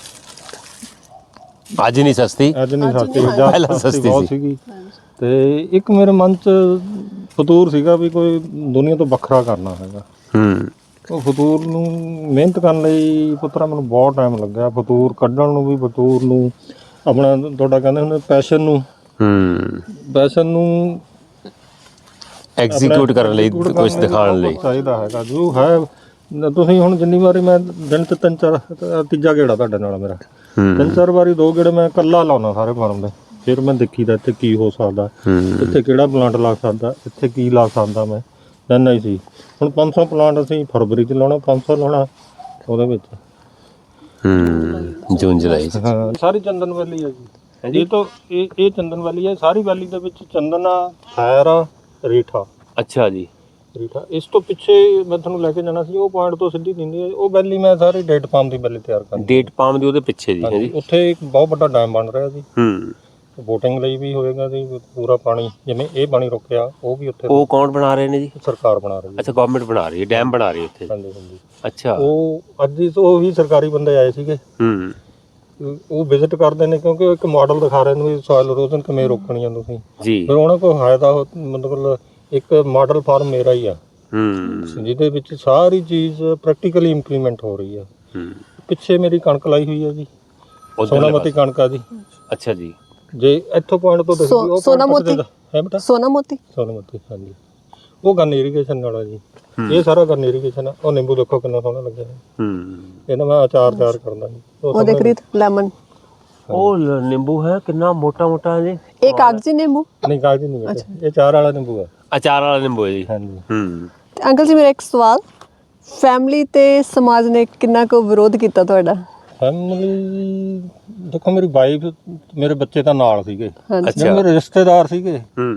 [SPEAKER 2] ਅੱਜ ਨਹੀਂ ਸਸਤੀ,
[SPEAKER 1] ਅੱਜ ਨਹੀਂ ਸਸਤੀ,
[SPEAKER 2] ਪਹਿਲਾਂ ਸਸਤੀ
[SPEAKER 1] ਬਹੁਤ ਸੀਗੀ। ਤੇ ਇੱਕ ਮੇਰੇ ਮਨ 'ਚ ਫਤੂਰ ਸੀਗਾ ਵੀ ਕੋਈ ਦੁਨੀਆ ਤੋਂ ਵੱਖਰਾ ਕਰਨਾ ਹੈਗਾ। ਉਹ ਫਤੂਰ ਨੂੰ ਮਿਹਨਤ ਕਰਨ ਲਈ ਪੁੱਤਰਾ ਮੈਨੂੰ ਬਹੁਤ ਟਾਈਮ ਲੱਗਿਆ। ਫਤੂਰ ਕੱਢਣ ਨੂੰ ਵੀ, ਫਤੂਰ ਨੂੰ ਆਪਣਾ ਤੁਹਾਡਾ ਕਹਿੰਦੇ ਹੁੰਦੇ ਪੈਸ਼ਨ ਨੂੰ
[SPEAKER 2] ਐਗਜ਼ੀਕਿਊਟ ਕਰਨ ਲਈ, ਕੁਝ ਦਿਖਾਉਣ ਲਈ
[SPEAKER 1] ਚਾਹੀਦਾ ਹੈਗਾ। ਜੋ ਹੈ ਤੁਸੀਂ ਹੁਣ ਜਿੰਨੀ ਵਾਰੀ ਮੈਂ ਦਿਨ 'ਚ 3-4 ਤੀਜਾ ਗੇੜਾ ਤੁਹਾਡੇ ਨਾਲ ਮੇਰਾ 3-4 ਵਾਰੀ 2 ਗੇੜੇ ਮੈਂ ਇਕੱਲਾ ਲਾਉਣਾ ਸਾਰੇ ਫਾਰਮ ਦੇ। ਫਿਰ ਮੈਂ ਦੇਖੀਦਾ ਇੱਥੇ ਕੀ ਹੋ ਸਕਦਾ, ਇੱਥੇ ਕਿਹੜਾ ਪਲਾਂਟ ਲੱਗ ਸਕਦਾ, ਇੱਥੇ ਕੀ ਲਾ ਸਕਦਾ ਮੈਂ ਨਹੀਂ ਸੀ। ਹੁਣ 500 ਪਲਾਂਟ ਅਸੀਂ ਫਰਵਰੀ 'ਚ ਲਾਉਣਾ, 500 ਲਾਉਣਾ ਉਹਦੇ ਵਿੱਚ
[SPEAKER 2] ਜੂਨ ਜੁਲਾਈ ਚ।
[SPEAKER 1] ਹਾਂ ਸਾਰੀ ਚੰਦਨ ਵੈਲੀ ਹੈ ਜੀ। ਇਹ ਤੋਂ ਇਹ ਚੰਦਨ ਵੈਲੀ ਹੈ। ਸਾਰੀ ਵੈਲੀ ਦੇ ਵਿੱਚ ਚੰਦਨ ਆ, ਖੈਰ ਆ, ਰੀਠਾ।
[SPEAKER 2] ਅੱਛਾ ਜੀ।
[SPEAKER 1] ਰੀਠਾ ਇਸ ਤੋਂ ਪਿੱਛੇ ਮੈਂ ਤੁਹਾਨੂੰ ਲੈ ਕੇ ਜਾਣਾ ਸੀ, ਉਹ ਪੁਆਇੰਟ ਤੋਂ ਸਿੱਧੀ ਦਿੰਦੀ ਹੈ ਉਹ ਵੈਲੀ। ਮੈਂ ਸਾਰੀ ਡੇਟ ਪਾਮ ਦੀ ਵੈਲੀ ਤਿਆਰ ਕਰਨੀ।
[SPEAKER 2] ਡੇਟ ਪਾਮ ਦੀ ਉਹਦੇ ਪਿੱਛੇ ਜੀ ਹੈ ਜੀ।
[SPEAKER 1] ਉੱਥੇ ਇੱਕ ਬਹੁਤ ਵੱਡਾ ਡੈਮ ਬਣ ਰਿਹਾ ਜੀ। ਵੋਟਿੰਗ ਲਈ ਵੀ ਹੋਏਗਾ ਜੀ। ਪੂਰਾ ਪਾਣੀ ਜਿਵੇਂ ਇਹ ਪਾਣੀ ਰੁਕਿਆ ਉਹ ਵੀ ਉੱਥੇ। ਉਹ
[SPEAKER 2] ਕੌਣ ਬਣਾ ਰਹੇ ਨੇ ਜੀ?
[SPEAKER 1] ਸਰਕਾਰ ਬਣਾ ਰਹੀ ਹੈ।
[SPEAKER 2] ਅੱਛਾ, ਗਵਰਨਮੈਂਟ ਬਣਾ ਰਹੀ ਹੈ, ਡੈਮ ਬਣਾ ਰਹੀ ਹੈ ਉੱਥੇ।
[SPEAKER 1] ਹਾਂਜੀ ਹਾਂਜੀ।
[SPEAKER 2] ਅੱਛਾ।
[SPEAKER 1] ਉਹ ਅੱਜ ਉਹ ਵੀ ਸਰਕਾਰੀ ਬੰਦੇ ਆਏ ਸੀਗੇ। ਉਹ ਵਿਜ਼ਿਟ ਕਰਦੇ ਨੇ ਕਿਉਂਕਿ ਇੱਕ ਮਾਡਲ ਦਿਖਾ ਰਹੇ ਨੇ ਵੀ ਸੋਇਲ ਇਰੋਜ਼ਨ ਕਿਵੇਂ ਰੋਕਣੀ ਆ ਤੁਸੀਂ ਜੀ। ਫਿਰ ਉਹਨਾਂ ਕੋਲ ਹੈ ਤਾਂ ਮਤਲਬ ਇੱਕ ਮਾਡਲ ਫਾਰਮ ਮੇਰਾ ਹੀ ਆ ਜਿਹਦੇ ਵਿੱਚ ਸਾਰੀ ਚੀਜ਼ ਪ੍ਰੈਕਟੀਕਲੀ ਇੰਪਲੀਮੈਂਟ ਹੋ ਰਹੀ ਆ। ਪਿੱਛੇ ਮੇਰੀ ਕਣਕ ਲਾਈ ਹੋਈ ਆ ਜੀ, ਸੋਨਾਮਤੀ ਕਣਕ ਆ ਜੀ। ਅੱਛਾ ਜੀ। ਜੇ ਇੱਥੋਂ ਪੁਆਇੰਟ ਤੋਂ ਦੇਖੋ ਉਹ ਸੋਨਾਮਤੀ ਹੈ ਬੇਟਾ। ਸੋਨਾਮਤੀ ਹਾਂਜੀ। ਉਹ ਗਨ ਇਰੀਗੇਸ਼ਨ ਨਾਲ ਆ ਜੀ। ਇਹ ਸਾਰਾ ਗਨ ਇਰੀਗੇਸ਼ਨ ਆ। ਉਹ ਨਿੰਬੂ ਦੇਖੋ ਕਿੰਨਾ ਸੋਹਣਾ ਲੱਗਿਆ ਇਹਨਾਂ ਮੈਂ ਅਚਾਰ ਤਿਆਰ ਕਰਦਾ ਜੀ। ਉਹ ਦੇਖ ਰਹੀ ਲੈਮਨ। ਉਹ ਨਿੰਬੂ ਹੈ ਕਿੰਨਾ ਮੋਟਾ ਮੋਟਾ ਜੀ। ਇਹ ਕਾਗਜ਼ੀ ਨਿੰਬੂ ਨਹੀਂ, ਕਾਗਜ਼ੀ ਨਹੀਂ ਬੇਟਾ, ਇਹ ਅਚਾਰ ਵਾਲਾ ਨਿੰਬੂ ਹੈ। ਅਚਾਰ ਵਾਲਾ ਨਿੰਬੂ ਹੈ ਜੀ। ਹਾਂਜੀ। ਅੰਕਲ ਜੀ ਮੇਰਾ ਇੱਕ ਸਵਾਲ, ਫੈਮਿਲੀ ਤੇ ਸਮਾਜ ਨੇ ਕਿੰਨਾ ਕੁ ਵਿਰੋਧ ਕੀਤਾ ਤੁਹਾਡਾ? ਫੈਮਿਲੀ ਦੇਖੋ ਮੇਰੀ ਵਾਈਫ, ਮੇਰੇ ਬੱਚੇ ਤਾਂ ਨਾਲ ਸੀਗੇ। ਜਿਹੜੇ ਮੇਰੇ ਰਿਸ਼ਤੇਦਾਰ ਸੀਗੇ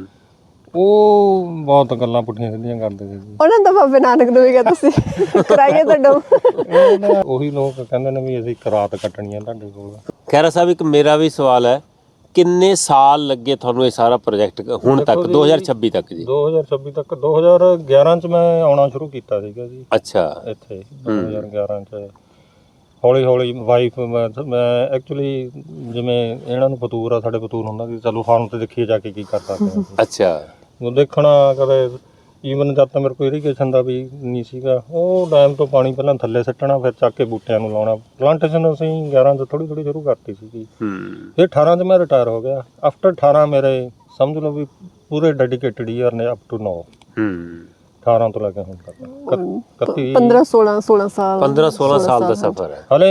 [SPEAKER 1] ਉਹ ਬਹੁਤ ਗੱਲਾਂ ਪੁੱਠੀਆਂ ਸਿੱਧੀਆਂ ਕਰਦੇ ਸੀ। ਉਹਨਾਂ ਦਾ ਬਾਬੇ ਨਾਨਕ ਨੂੰ ਵੀ ਕਿਹਾ ਤੁਸੀਂ ਕਰਾਈਏ ਤੁਹਾਡਾ। ਉਹੀ ਲੋਕ ਕਹਿੰਦੇ ਨੇ ਵੀ ਅਸੀਂ ਇੱਕ ਰਾਤ ਕੱਟਣੀ ਆ ਤੁਹਾਡੇ ਕੋਲ।
[SPEAKER 2] ਖੈਰਾ ਸਾਹਿਬ ਇੱਕ ਮੇਰਾ ਵੀ ਸਵਾਲ ਹੈ, ਕਿੰਨੇ ਸਾਲ ਲੱਗੇ ਤੁਹਾਨੂੰ ਇਹ ਸਾਰਾ ਪ੍ਰੋਜੈਕਟ ਹੁਣ ਤੱਕ? 2026 ਤੱਕ ਜੀ। 2026 ਤੱਕ 2011 ਚ ਮੈਂ ਆਉਣਾ ਸ਼ੁਰੂ ਕੀਤਾ ਸੀਗਾ ਜੀ। ਅੱਛਾ। ਇੱਥੇ 2011 ਚ ਹੌਲੀ ਹੌਲੀ ਵਾਈਫ ਮੈਂ ਐਕਚੁਅਲੀ ਜਿਵੇਂ ਇਹਨਾਂ ਨੂੰ ਫਤੂਰ ਆ, ਸਾਡੇ ਫਤੂਰ ਹੁੰਦਾ ਕਿ ਚਲੋ ਫਾਰਮ ਤੇ ਦੇਖੀਏ ਜਾ ਕੇ ਕੀ ਕਰ ਸਕਦੇ ਹਾਂ। ਅੱਛਾ। ਦੇਖਣਾ ਕਦੇ ਈਵਨ ਜਦ ਤਾਂ ਮੇਰੇ ਕੋਲ ਇਰੀਗੇਸ਼ਨ ਦਾ ਵੀ ਨਹੀਂ ਸੀਗਾ। ਉਹ ਡੈਮ ਤੋਂ ਪਾਣੀ ਪਹਿਲਾਂ ਥੱਲੇ ਸਿੱਟਣਾ, ਫਿਰ ਚੱਕ ਕੇ ਬੂਟਿਆਂ ਨੂੰ ਲਾਉਣਾ। ਪਲਾਂਟੇਸ਼ਨ ਅਸੀਂ 11 ਤੋਂ ਥੋੜੀ ਸ਼ੁਰੂ ਕਰਤੀ ਸੀਗੀ। ਫਿਰ 18 ਚ ਮੈਂ ਰਿਟਾਇਰ ਹੋ ਗਿਆ। ਆਫਟਰ 18 ਮੇਰੇ ਸਮਝ ਲਓ ਵੀ ਪੂਰੇ ਡੈਡੀਕੇਟਡ ਈਅਰ ਨੇ ਅਪ ਟੂ ਨਾਓ। 18 ਤੋਂ ਲੈ ਕੇ ਹੁਣ ਤੱਕ 15-16 ਸਾਲ ਦਾ ਸਫ਼ਰ ਹੈ। ਹਲੇ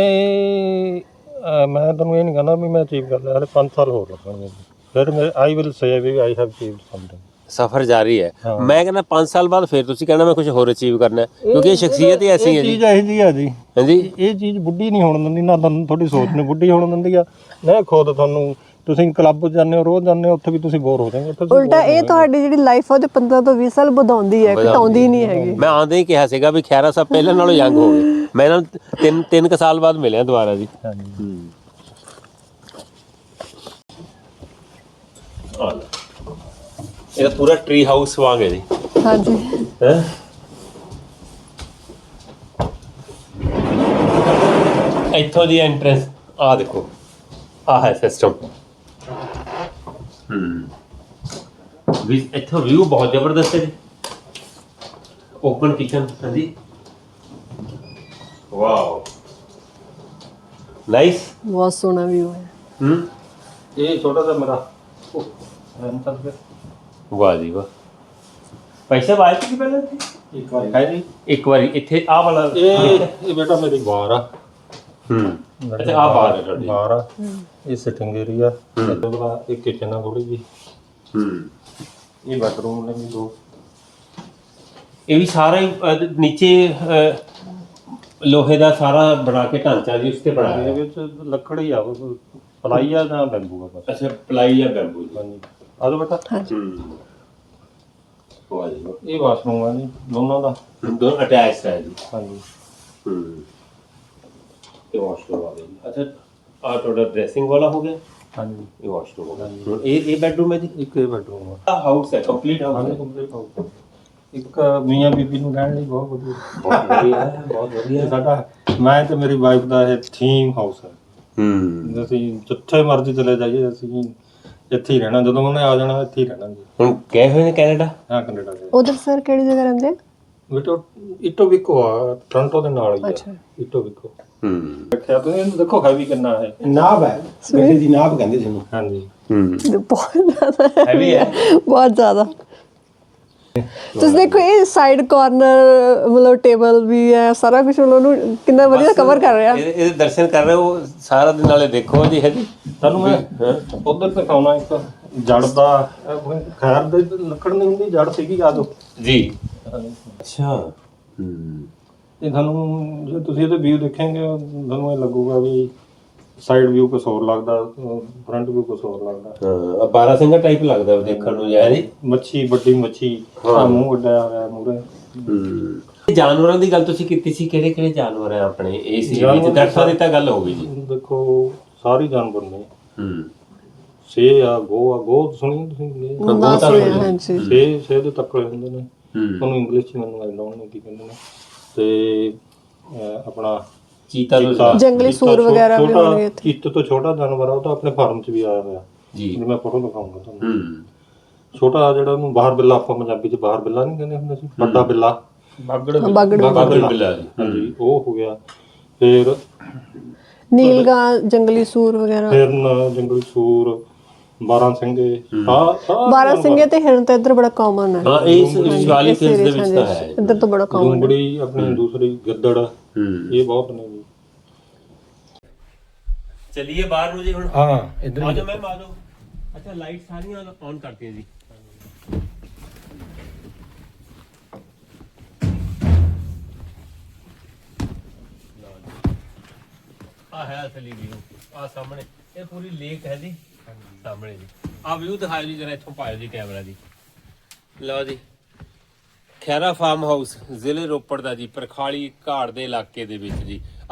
[SPEAKER 2] ਮੈਂ ਤੁਹਾਨੂੰ ਇਹ ਨਹੀਂ ਕਹਿੰਦਾ ਵੀ ਮੈਂ ਅਚੀਵ ਕਰ ਲਿਆ, ਹਲੇ 5 ਸਾਲ ਹੋਰ ਲੱਗਣਗੇ। ਫਿਰ ਮੈਂ ਆਈ ਵਿਲ ਸੇ ਵੀ ਆਈ ਹੈਵ ਅਚੀਵਡ ਸਮਥਿੰਗ। ਸਫ਼ਰ ਜਾਰੀ ਹੈ। ਮੈਂ ਕਹਿੰਦਾ 5 ਸਾਲ ਬਾਅਦ ਫਿਰ ਤੁਸੀਂ ਕਹਿਣਾ ਮੈਂ ਕੁਝ ਹੋਰ ਅਚੀਵ ਕਰਨਾ, ਕਿਉਂਕਿ ਇਹ ਸ਼ਖਸੀਅਤ ਹੀ ਐਸੀ ਹੈ ਜੀ। ਚੀਜ਼ ਇਹੋ ਜਿਹੀ ਆ ਜੀ। ਹਾਂਜੀ। ਇਹ ਚੀਜ਼ ਬੁੱਢੀ ਨਹੀਂ ਹੋਣ ਦਿੰਦੀ, ਨਾ ਤੁਹਾਨੂੰ ਤੁਹਾਡੀ ਸੋਚ ਨੂੰ ਬੁੱਢੀ ਹੋਣ ਦਿੰਦੀ ਆ, ਨਾ ਖੁਦ ਤੁਹਾਨੂੰ। ਤੁਸੀਂ ਕਲੱਬ ਜਾਂਦੇ ਹੋ, ਰੋਜ਼ ਜਾਂਦੇ ਹੋ, ਉੱਥੇ ਵੀ ਤੁਸੀਂ ਬੋਰ ਹੋ ਜਾਓਗੇ। ਉਲਟਾ ਇਹ ਤੁਹਾਡੀ ਜਿਹੜੀ ਲਾਈਫ ਆ ਉਹਦੇ 15 ਤੋਂ 20 ਸਾਲ ਵਧਾਉਂਦੀ ਹੈ, ਘਟਾਉਂਦੀ ਨਹੀਂ ਹੈਗੀ। ਮੈਂ ਆਉਂਦੇ ਹੀ ਕਿਹਾ ਸੀਗਾ ਵੀ ਖੈਰਾ ਸਾਹਿਬ ਪਹਿਲਾਂ ਨਾਲੋਂ ਯੰਗ ਹੋ ਗਏ। ਮੈਂ ਇਹਨਾਂ ਨੂੰ 3 ਸਾਲ ਬਾਅਦ ਮਿਲਿਆ ਦੁਬਾਰਾ ਜੀ। ਇਹ ਪੂਰਾ ਟਰੀ ਹਾਊਸ ਵਾਂਗ ਹੈ ਜੀ। ਹਾਂਜੀ। ਇੱਥੋਂ ਦੀ ਐਂਟਰੈਂਸ ਆ ਦੇਖੋ, ਆ ਹੈ ਸਿਸਟਮ। ਵੀ ਇੱਥੋਂ ਵਿਊ ਬਹੁਤ ਜ਼ਬਰਦਸਤ ਹੈ ਜੀ। Open kitchen. ਹਾਂਜੀ। ਵਾਓ, ਨਾਈਸ, ਬਹੁਤ ਸੋਹਣਾ ਵਿਊ ਹੈ। ਇਹ ਛੋਟਾ ਜਿਹਾ ਮੇਰਾ ਵਾਹ ਜੀ ਵਾਹ। ਪੈਸੇ ਆਏ ਸੀ ਪਹਿਲਾਂ ਇੱਕ ਵਾਰੀ ਹੈ ਜੀ। ਇੱਕ ਵਾਰੀ ਇੱਥੇ ਆਹ ਵਾਲਾ ਇਹ ਬੇਟਾ ਮੇਰੀ ਬਾਰ ਆ। ਅੱਛਾ, ਆਹ ਬਾਰ ਹੈ ਤੁਹਾਡੀ? ਬਾਰ ਆ। ਇਹ ਸਿਟਿੰਗ ਏਰੀਆ। ਇਹ ਕਿਚਨ ਆ ਥੋੜੀ ਜੀ। ਇਹ ਬੈਡਰੂਮ ਨੇ ਵੀ 2। ਇਹ ਵੀ ਸਾਰਾ ਹੀ ਨੀਚੇ ਲੋਹੇ ਦਾ ਸਾਰਾ ਬਣਾ ਕੇ ਢਾਂਚਾ ਜੀ ਉਸ ਤੇ ਬਣਾਇਆ। ਇਹਦੇ ਵਿੱਚ ਲੱਕੜੀ ਆ, ਪਲਾਈ ਆ ਜਾਂ ਬੈਂਬੂ ਆ ਬਸ। ਅੱਛਾ, ਪਲਾਈ ਜਾਂ ਬੈਂਬੂ। ਹਾਂਜੀ। ਆ ਜਾਓ ਬੇਟਾ। ਇਹ ਵਾਸ਼ਰੂਮ ਆ ਜੀ ਦੋਨਾਂ ਦਾ, ਦੋਨੋਂ ਅਟੈਚਡ ਹੈ ਜੀ। ਹਾਂਜੀ। ਇਹ ਵਾਸ਼ਰੂਮ ਆ ਗਿਆ ਜੀ। ਅੱਛਾ, ਆ ਤੁਹਾਡਾ ਡਰੈਸਿੰਗ ਵਾਲਾ ਹੋ ਗਿਆ। ਹਾਂਜੀ। ਇਹ ਵਾਸ਼ਰੂਮ ਹੋ ਗਿਆ। ਇਹ ਬੈਡਰੂਮ ਹੈ ਜੀ। ਇੱਕ ਇਹ ਬੈਡਰੂਮ ਆ। ਹਾਊਸ ਹੈ, ਕੰਪਲੀਟ ਹਾਊਸ ਹੈ। ਕੰਪਲੀਟ ਹਾਊਸ ਇੱਕ ਮੀਆਂ ਬੀਬੀ ਨੂੰ ਰਹਿਣ ਲਈ ਬਹੁਤ ਵਧੀਆ। ਬਹੁਤ ਵਧੀਆ ਹੈ, ਬਹੁਤ ਵਧੀਆ। ਸਾਡਾ ਮੈਂ ਤੇ ਮੇਰੀ ਵਾਈਫ ਦਾ ਇਹ ਥੀਮ ਹਾਊਸ ਹੈ। ਅਸੀਂ ਜਿੱਥੇ ਮਰਜ਼ੀ ਚਲੇ ਜਾਈਏ, ਅਸੀਂ ਇੱਥੇ ਹੀ ਰਹਿਣਾ। ਜਦੋਂ ਉਹਨੇ ਆ ਜਾਣਾ ਇੱਥੇ ਹੀ ਰਹਿਣਾ ਜੀ। ਹੁਣ ਗਏ ਹੋਏ ਨੇ ਕੈਨੇਡਾ? ਹਾਂ, ਕੈਨੇਡਾ ਦੇ। ਉਧਰ ਸਰ ਕਿਹੜੀ ਜਗ੍ਹਾ ਰਹਿੰਦੇ ਆ? ਬੇਟਾ ਇਟੋਬੀਕੋ ਆ, ਟੋਰਾਂਟੋ ਦੇ ਨਾਲ ਹੀ ਆ। ਅੱਛਾ, ਇਟੋਬੀਕੋ। ਦੇਖਿਆ ਤੁਸੀਂ ਇਹਨੂੰ, ਦੇਖੋ ਹੈਵੀ ਕਿੰਨਾ ਹੈ। ਨਾਭ ਹੈ, ਬੇਟੇ ਦੀ ਨਾਭ ਕਹਿੰਦੇ ਜਿਹਨੂੰ। ਹਾਂਜੀ। ਬਹੁਤ ਜ਼ਿਆਦਾ ਹੈਵੀ ਹੈ, ਬਹੁਤ ਜ਼ਿਆਦਾ।
[SPEAKER 3] ਤੁਸੀਂ ਦੇਖੋ ਇਹ ਸਾਈਡ ਕਾਰਨਰ ਮਤਲਬ ਟੇਬਲ ਵੀ ਹੈ, ਸਾਰਾ ਕੁਝ ਉਹਨੂੰ ਕਿੰਨਾ ਵਧੀਆ ਕਵਰ ਕਰ ਰਿਹਾ।
[SPEAKER 2] ਇਹਦੇ ਦਰਸ਼ਨ ਕਰ ਰਹੇ ਹੋ ਸਾਰਾ ਦਿਨ ਨਾਲੇ ਦੇਖੋ ਜੀ। ਹੈ ਜੀ
[SPEAKER 1] ਤੁਹਾਨੂੰ ਮੈਂ ਉਧਰ ਦਿਖਾਉਣਾ ਇੱਕ ਜੜ ਦਾ, ਖੈਰ ਦੇ ਲੱਕੜ ਨਹੀਂ ਹੁੰਦੀ, ਜੜ ਸੀਗੀ ਆਦੋ
[SPEAKER 2] ਜੀ। ਅੱਛਾ।
[SPEAKER 1] ਇਹ ਤੁਹਾਨੂੰ ਜੇ ਤੁਸੀਂ ਇਹਦੇ ਵਿਊ ਦੇਖੋਗੇ ਤੁਹਾਨੂੰ ਇਹ ਲੱਗੂਗਾ ਵੀ ਸਾਈਡ ਵਿਊ ਕੁਛ ਹੋਰ ਲੱਗਦਾ, ਫਰੰਟ ਵਿਊ ਕੁਛ ਹੋਰ ਲੱਗਦਾ।
[SPEAKER 2] ਹਾਂ, 12 ਸਿੰਘਾ ਟਾਈਪ ਲੱਗਦਾ ਦੇਖਣ ਨੂੰ ਯਾਰ।
[SPEAKER 1] ਮੱਛੀ, ਵੱਡੀ ਮੱਛੀ, ਮੂੰਹ ਵੱਡਾ ਹੋਇਆ ਮੂਰੇ।
[SPEAKER 2] ਜਾਨਵਰਾਂ ਦੀ ਗੱਲ ਤੁਸੀਂ ਕੀਤੀ ਸੀ, ਕਿਹੜੇ ਕਿਹੜੇ ਜਾਨਵਰ ਆ ਆਪਣੇ ਇਸ ਏਰੀਏ 'ਚ? ਦਰਖਤਾਂ ਦੀ ਤਾਂ ਗੱਲ ਹੋ ਗਈ ਜੀ।
[SPEAKER 1] ਦੇਖੋ ਸਾਰੇ ਜਾਨਵਰ ਨੇ, ਸੇ ਆ, ਗੋ ਸੁਣੀ ਤੁਸੀਂ? ਸੇ ਦੇ ਤੱਕੜੇ ਹੁੰਦੇ ਨੇ, ਉਹਨੂੰ ਇੰਗਲਿਸ਼ 'ਚ ਮੈਨੂੰ ਆਈ ਡੋਂਟ ਨੋ ਕੀ ਕਹਿੰਦੇ ਨੇ। ਤੇ ਆਪਣਾ
[SPEAKER 2] ਚੀਤਾ,
[SPEAKER 3] ਜੰਗਲੀ ਸੂਰ ਵਗੈਰਾ ਵੀ ਹੋਣਗੇ।
[SPEAKER 1] ਚੀਤੇ ਤੋਂ ਛੋਟਾ ਜਾਨਵਰ ਆ, ਉਹ ਤਾਂ ਆਪਣੇ ਫਾਰਮ 'ਚ ਵੀ ਆਇਆ ਹੋਇਆ ਜੀ, ਮੈਂ ਫੋਟੋ ਦਿਖਾਉਂਗਾ ਤੁਹਾਨੂੰ। ਛੋਟਾ ਜਿਹੜਾ ਉਹਨੂੰ ਬਾਹਰ ਬਿੱਲਾ, ਆਪਾਂ ਪੰਜਾਬੀ 'ਚ ਬਾਹਰ ਬਿੱਲਾ ਨਹੀਂ ਕਹਿੰਦੇ ਹੁੰਦੇ ਸੀ, ਵੱਡਾ ਬਿੱਲਾ, ਬਾਗੜ ਬਿੱਲਾ ਜੀ, ਹਾਂਜੀ ਉਹ ਹੋ ਗਿਆ। ਫਿਰ
[SPEAKER 3] ਨੀਲਗਾਂ, ਜੰਗਲੀ ਸੂਰ ਵਗੈਰਾ,
[SPEAKER 1] ਹਿਰਨ, ਜੰਗਲੀ ਸੂਰ, 12 ਸਿੰਘੇ।
[SPEAKER 3] 12 ਸਿੰਘੇ ਤੇ ਹਿਰਨ ਤਾਂ ਇੱਧਰ ਬੜਾ ਕਾਮਨ ਹੈ।
[SPEAKER 2] ਹਾਂ, ਇਸ ਸ਼ਿਵਾਲਿਕ ਹਿਲਸ ਦੇ ਵਿੱਚ ਤਾਂ ਹੈ।
[SPEAKER 3] ਇੱਧਰ ਤਾਂ ਬੜਾ ਕਾਮਨ ਹੈ।
[SPEAKER 1] ਲੂੰਬੜੀ ਆਪਣੀ ਦੂਸਰੀ, ਗਿੱਦੜ, ਇਹ ਬਹੁਤ ਨੇ ਜੀ।
[SPEAKER 2] ਚਲਿਏ ਬਾਹਰ ਨੂੰ ਜੀ ਹੁਣ।
[SPEAKER 1] ਹਾਂ ਇੱਧਰ
[SPEAKER 2] ਆ ਜਾਓ ਮੈਮ, ਆ ਜਾਓ। ਅੱਛਾ, ਲਾਈਟ ਸਾਰੀਆਂ ਔਨ ਕਰਤੀਆਂ ਜੀ। ਆ ਹੈ ਅਸਲੀ ਵੀਊ, ਆ ਸਾਹਮਣੇ ਇਹ ਪੂਰੀ ਲੇਕ ਹੈ ਜੀ ਸਾਹਮਣੇ ਜੀ। ਆ ਵਿਊ ਦਿਖਾਓ ਜੀ ਜਰਾ, ਇੱਥੋਂ ਪਾਇਓ ਜੀ ਕੈਮਰਾ ਜੀ। ਲਓ ਜੀ, ਖੈਰਾ ਫਾਰਮ ਹਾਊਸ ਜ਼ਿਲ੍ਹੇ ਰੋਪੜ ਦਾ ਜੀ, ਪਰਖਾਲੀ ਘਾੜ ਦੇ ਇਲਾਕੇ ਦੇ ਵਿੱਚ ਜੀ।